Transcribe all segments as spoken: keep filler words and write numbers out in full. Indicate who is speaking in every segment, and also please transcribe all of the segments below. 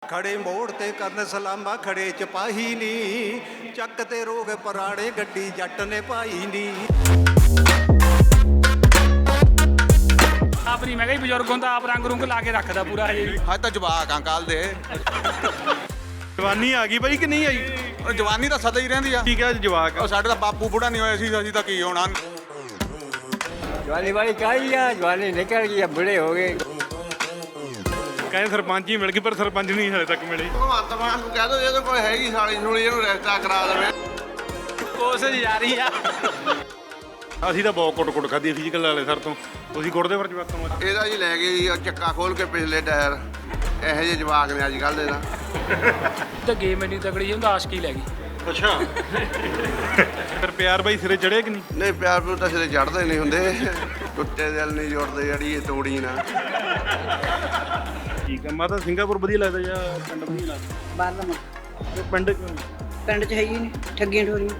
Speaker 1: ਖੜੇ ਮੋੜ ਤੇ ਕਰਨ ਸਲਾਮਾ ਖੜੇ ਚਪਾਹੀ ਨੀ, ਚੱਕ ਤੇ ਰੋਗ ਪੁਰਾਣੇ ਗੱਡੀ ਜੱਟ ਨੇ ਪਾਈ ਨੀ।
Speaker 2: ਆਪ ਨਹੀਂ, ਮੈਂ ਕਿਹਾ ਬਜ਼ੁਰਗ ਹੁੰਦਾ ਆਪ ਰੰਗ ਰੁੰਗ ਲਾ ਕੇ ਰੱਖਦਾ ਪੂਰਾ ਹਜੇ ਵੀ।
Speaker 3: ਅੱਜ ਤਾਂ ਜਵਾਕ ਆ ਕੱਲ ਦੇ।
Speaker 4: ਜਵਾਨੀ ਆ ਗਈ ਬਾਈ ਕਿ ਨਹੀਂ ਆਈ?
Speaker 3: ਜਵਾਨੀ ਤਾਂ ਸਦਾ ਹੀ ਰਹਿੰਦੀ ਆ।
Speaker 4: ਠੀਕ ਹੈ ਜਵਾਕ
Speaker 3: ਉਹ ਸਾਡੇ ਤਾਂ ਬਾਪੂ ਬੁੜਾ ਨਹੀਂ ਹੋਇਆ ਸੀ, ਅਸੀਂ ਤਾਂ ਕੀ ਹੋਣਾ।
Speaker 5: ਜਵਾਨੀ ਵਾਲੀ ਕਾਹੀ ਆ, ਜਵਾਨੀ ਨਿਕਲ ਗਈ ਆ, ਬੁੜੇ ਹੋ ਗਏ।
Speaker 4: ਕਹਿੰਦੇ ਸਰਪੰਚ ਹੀ ਮਿਲ ਗਈ ਪਰ ਸਰਪੰਚ ਨਹੀਂ ਹਲੇ ਤੱਕ ਮਿਲੇ।
Speaker 6: ਭਗਵੰਤ ਮਾਨ ਨੂੰ ਕਹਿ ਦੋ ਇਹਦੇ ਕੋਲ ਹੈਗੀ ਸਾਲੀ ਸੁਲੀ, ਇਹਨੂੰ ਰਿਸ਼ਤਾ ਕਰਾ ਦੇਵੇ।
Speaker 2: ਕੋਸ਼ਿਸ਼ ਜਾਰੀ ਆ।
Speaker 4: ਅਸੀਂ ਤਾਂ ਬਹੁਤ ਕੁੱਟ ਕੁੱਟ ਖਾਧੀ ਫਿਜ਼ੀਕਲ ਵਾਲੇ ਸਰ ਤੋਂ। ਤੁਸੀਂ ਕੁੱਟਦੇ ਫਿਰ ਜਵਾਕਾਂ ਨੂੰ?
Speaker 6: ਇਹਦਾ ਜੀ ਲੈ ਗਏ ਜੀ ਉਹ ਚੱਕਾ ਖੋਲ ਕੇ ਪਿਛਲੇ ਟਾਇਰ। ਇਹੋ ਜਿਹੇ ਜਵਾਕ ਨੇ ਅੱਜ ਕੱਲ੍ਹ ਦੇ ਤਾਂ।
Speaker 2: ਤਾਂ ਗੇਮ ਇੰਨੀ ਤਗੜੀ ਹੁੰਦਾ, ਆਸ਼ਕੀ ਲੈ ਗਈ।
Speaker 4: ਅੱਛਾ। ਫਿਰ ਪਿਆਰ ਬਾਈ ਸਿਰੇ ਚੜ੍ਹੇ ਕਿ ਨਹੀਂ?
Speaker 6: ਨਹੀਂ ਪਿਆਰ ਪਿਓ ਤਾਂ ਸਿਰੇ ਚੜ੍ਹਦੇ ਨਹੀਂ ਹੁੰਦੇ, ਟੁੱਟੇ ਦਿਲ ਨਹੀਂ ਜੁੜਦੇ ਜਿਹੜੀ ਇਹ ਤੋੜੀ ਨਾ।
Speaker 4: ਠੀਕ ਹੈ। ਮਾਤਾ ਸਿੰਗਾਪੁਰ ਵਧੀਆ ਲੱਗਦਾ ਜਾਂ ਪਿੰਡ ਵਧੀਆ ਲੱਗਦਾ?
Speaker 7: ਬਾਹਰਲਾ ਮੁਲਕ।
Speaker 4: ਇਹ ਪਿੰਡ ਕਿਉਂ?
Speaker 7: ਪਿੰਡ 'ਚ ਹੈ ਹੀ ਨਹੀਂ, ਠੱਗੀਆਂ ਠੋਰੀਆਂ।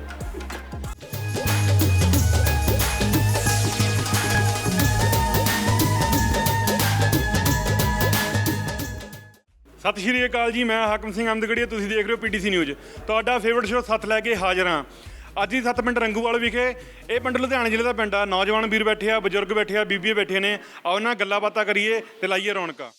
Speaker 4: ਸਤਿ ਸ਼੍ਰੀ ਅਕਾਲ ਜੀ, ਮੈਂ ਹਾਕਮ ਸਿੰਘ ਅਮਦਗੜੀਆ, ਤੁਸੀਂ ਦੇਖ ਰਹੇ ਹੋ ਪੀਟੀਸੀ ਨਿਊਜ਼। ਤੁਹਾਡਾ ਫੇਵਰਟ ਸ਼ੋਅ ਸੱਤ ਲੈ ਕੇ ਹਾਜ਼ਰ ਹਾਂ। ਅੱਜ ਹੀ ਸੱਤ ਪਿੰਡ ਰੰਗੂਵਾਲ ਵਿਖੇ। ਇਹ ਪਿੰਡ ਲੁਧਿਆਣਾ ਜ਼ਿਲ੍ਹੇ ਦਾ ਪਿੰਡ ਆ। ਨੌਜਵਾਨ ਵੀਰ ਬੈਠੇ ਆ, ਬਜ਼ੁਰਗ ਬੈਠੇ ਆ, ਬੀਬੀਆਂ ਬੈਠੇ ਨੇ। ਆਓ ਉਹਨਾਂ ਨਾਲ ਗੱਲਾਂ ਬਾਤਾਂ ਕਰੀਏ ਤੇ ਲਾਈਏ ਰੌਣਕਾਂ।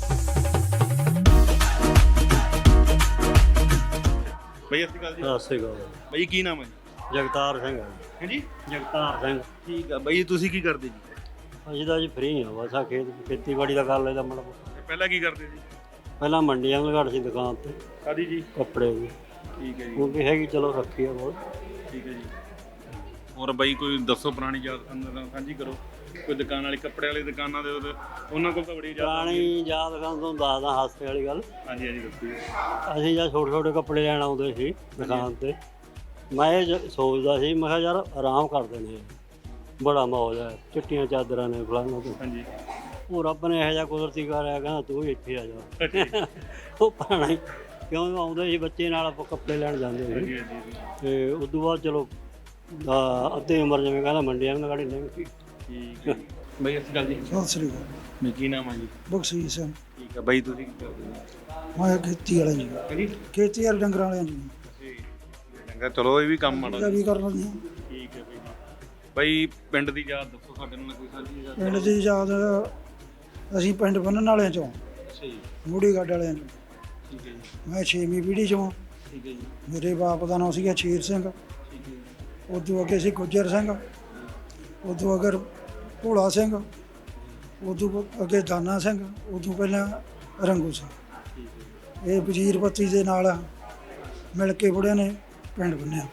Speaker 4: ਬਈ ਸਤਿ ਸ਼੍ਰੀ ਅਕਾਲ ਜੀ।
Speaker 8: ਸਤਿ ਸ਼੍ਰੀ ਅਕਾਲ।
Speaker 4: ਬਈ ਕੀ ਨਾਮ ਹੈ ਜੀ?
Speaker 8: ਜਗਤਾਰ ਸਿੰਘ ਹੈ
Speaker 4: ਹੈ ਜੀ।
Speaker 8: ਜਗਤਾਰ ਸਿੰਘ।
Speaker 4: ਠੀਕ ਆ ਬਈ, ਤੁਸੀਂ ਕੀ ਕਰਦੇ ਜੀ?
Speaker 8: ਅਸੀਂ ਤਾਂ ਜੀ ਫਰੀ ਹਾਂ, ਬਸ ਆ ਖੇਤ ਖੇਤੀਬਾੜੀ ਦਾ ਕਰ ਲੈਦਾ ਮਾੜਾ।
Speaker 4: ਪਹਿਲਾਂ ਕੀ ਕਰਦੇ ਜੀ?
Speaker 8: ਪਹਿਲਾਂ ਮੰਡੀਆਂ ਲਗਾੜ ਸੀ ਦੁਕਾਨ ਤੇ।
Speaker 4: ਕਾਦੀ ਜੀ?
Speaker 8: ਕੱਪੜੇ ਦੀ।
Speaker 4: ਠੀਕ ਹੈ ਜੀ।
Speaker 8: ਉਹ ਵੀ ਹੈਗੀ, ਚਲੋ ਰੱਖੀ ਆ ਬਹੁਤ।
Speaker 4: ਠੀਕ ਹੈ ਜੀ। ਹੋਰ ਬਾਈ ਕੋਈ ਦੱਸੋ, ਪੁਰਾਣੀ ਯਾਦ ਸਾਂਝੀ ਕਰੋ। ਕੋਈ ਦੁਕਾਨ ਵਾਲੀ, ਕੱਪੜੇ ਵਾਲੀ ਦੁਕਾਨਾਂ ਦੇ ਉਹਦੇ ਉਹਨਾਂ ਕੋਲ ਤਾਂ ਬੜੀ ਯਾਦ।
Speaker 8: ਪੁਰਾਣੀ ਯਾਦ ਕਰਨ ਤੋਂ ਦੱਸਦਾ ਹਾਸੇ ਵਾਲੀ ਗੱਲ।
Speaker 4: ਹਾਂਜੀ ਹਾਂਜੀ ਦੱਸੋ।
Speaker 8: ਅਸੀਂ ਜਦ ਛੋਟੇ ਛੋਟੇ ਕੱਪੜੇ ਲੈਣ ਆਉਂਦੇ ਸੀ ਦੁਕਾਨ ਤੇ, ਮੈਂ ਇਹ ਜ- ਸੋਚਦਾ ਸੀ, ਮੈਂ ਕਿਹਾ ਯਾਰ ਆਰਾਮ ਕਰਦੇ ਨੇ, ਬੜਾ ਮੌਜ ਹੈ, ਚਿੱਟੀਆਂ ਚਾਦਰਾਂ ਨੇ ਫਲਾਣਾ ਤੋਂ।
Speaker 4: ਹਾਂਜੀ।
Speaker 8: ਉਹ ਰੱਬ ਨੇ ਇਹੋ ਜਿਹਾ ਕੁਦਰਤੀ ਕਰਿਆ, ਕਹਿੰਦਾ ਤੂੰ ਵੀ ਇੱਥੇ ਆ ਜਾ। ਉਹ ਪੁਰਾਣਾ ਹੀ ਕਿਉਂ ਆਉਂਦੇ ਸੀ ਬੱਚੇ ਨਾਲ, ਆਪਾਂ ਕੱਪੜੇ ਲੈਣ ਜਾਂਦੇ ਸੀ।
Speaker 4: ਹਾਂਜੀ ਹਾਂਜੀ।
Speaker 8: ਤੇ ਉਸ ਤੋਂ ਬਾਅਦ ਚਲੋ ਅਹ ਅੱਧੀ ਉਮਰ ਜਿਵੇਂ ਕਹਿੰਦਾ ਮੰਡੀਆਂ ਨੂੰ ਗਾੜੀ ਲੰਘ ਗਈ।
Speaker 4: ਠੀਕ ਹੈ ਬਈ। ਅਸੀਂ ਗੱਲ ਜੀ।
Speaker 9: ਸਤਿ ਸ੍ਰੀ ਅਕਾਲ।
Speaker 4: ਮੈਂ ਕੀ ਨਾਮ ਆ ਜੀ?
Speaker 9: ਬਖਸ਼ੀਸ਼ ਸਿੰਘ।
Speaker 4: ਠੀਕ ਹੈ ਬਾਈ, ਤੁਸੀਂ ਕੀ ਕਰਦੇ ਹੋ?
Speaker 9: ਮੈਂ ਖੇਤੀ ਵਾਲਾ ਜੀ।
Speaker 4: ਹਾਂਜੀ।
Speaker 9: ਖੇਤੀ ਵਾਲੇ ਡੰਗਰਾਂ ਵਾਲਿਆਂ ਜੀ।
Speaker 4: ਚੰਗਾ, ਚਲੋ ਇਹ ਵੀ ਕੰਮ ਮਾੜਾ।
Speaker 9: ਇਹਦਾ ਵੀ ਕਰ ਲੈਂਦੇ ਹਾਂ।
Speaker 4: ਠੀਕ ਹੈ ਬਾਈ। ਬਾਈ ਪਿੰਡ ਦੀ ਯਾਦ ਦੱਸੋ ਸਾਡੇ ਨਾਲ, ਕੋਈ ਸਾਂਝੀ ਯਾਦ?
Speaker 9: ਪਿੰਡ ਦੀ ਯਾਦ, ਅਸੀਂ ਪਿੰਡ ਬੰਨਣ ਵਾਲਿਆਂ ਚੋਂ,
Speaker 4: ਅੱਛਾ ਜੀ।
Speaker 9: ਮੂੜੀ ਗੱਡ ਵਾਲਿਆਂ ਚੋਂ।
Speaker 4: ਠੀਕ ਹੈ ਜੀ।
Speaker 9: ਮੈਂ ਛੇਵੀਂ ਪੀੜ੍ਹੀ ਚੋਂ।
Speaker 4: ਠੀਕ ਹੈ ਜੀ।
Speaker 9: ਮੇਰੇ ਬਾਪ ਦਾ ਨਾਮ ਸੀਗਾ ਸ਼ੇਰ ਸਿੰਘ।
Speaker 4: ਠੀਕ ਹੈ ਜੀ।
Speaker 9: ਉਦੋਂ ਅੱਗੇ ਸੀ ਗੁੱਜਰ ਸਿੰਘ। ਉਦੋਂ ਅਗਰ ਭੋਲਾ ਸਿੰਘ। ਉਦੋਂ ਅੱਗੇ ਦਾਨਾ ਸਿੰਘ। ਉਦੋਂ ਪਹਿਲਾਂ ਰੰਗੂ ਸਿੰਘ। ਇਹ ਵਜ਼ੀਰ ਪੱਤੀ ਦੇ ਨਾਲ ਮਿਲ ਕੇ ਬੁੜਿਆਂ ਨੇ ਪਿੰਡ ਬੰਨਿਆ।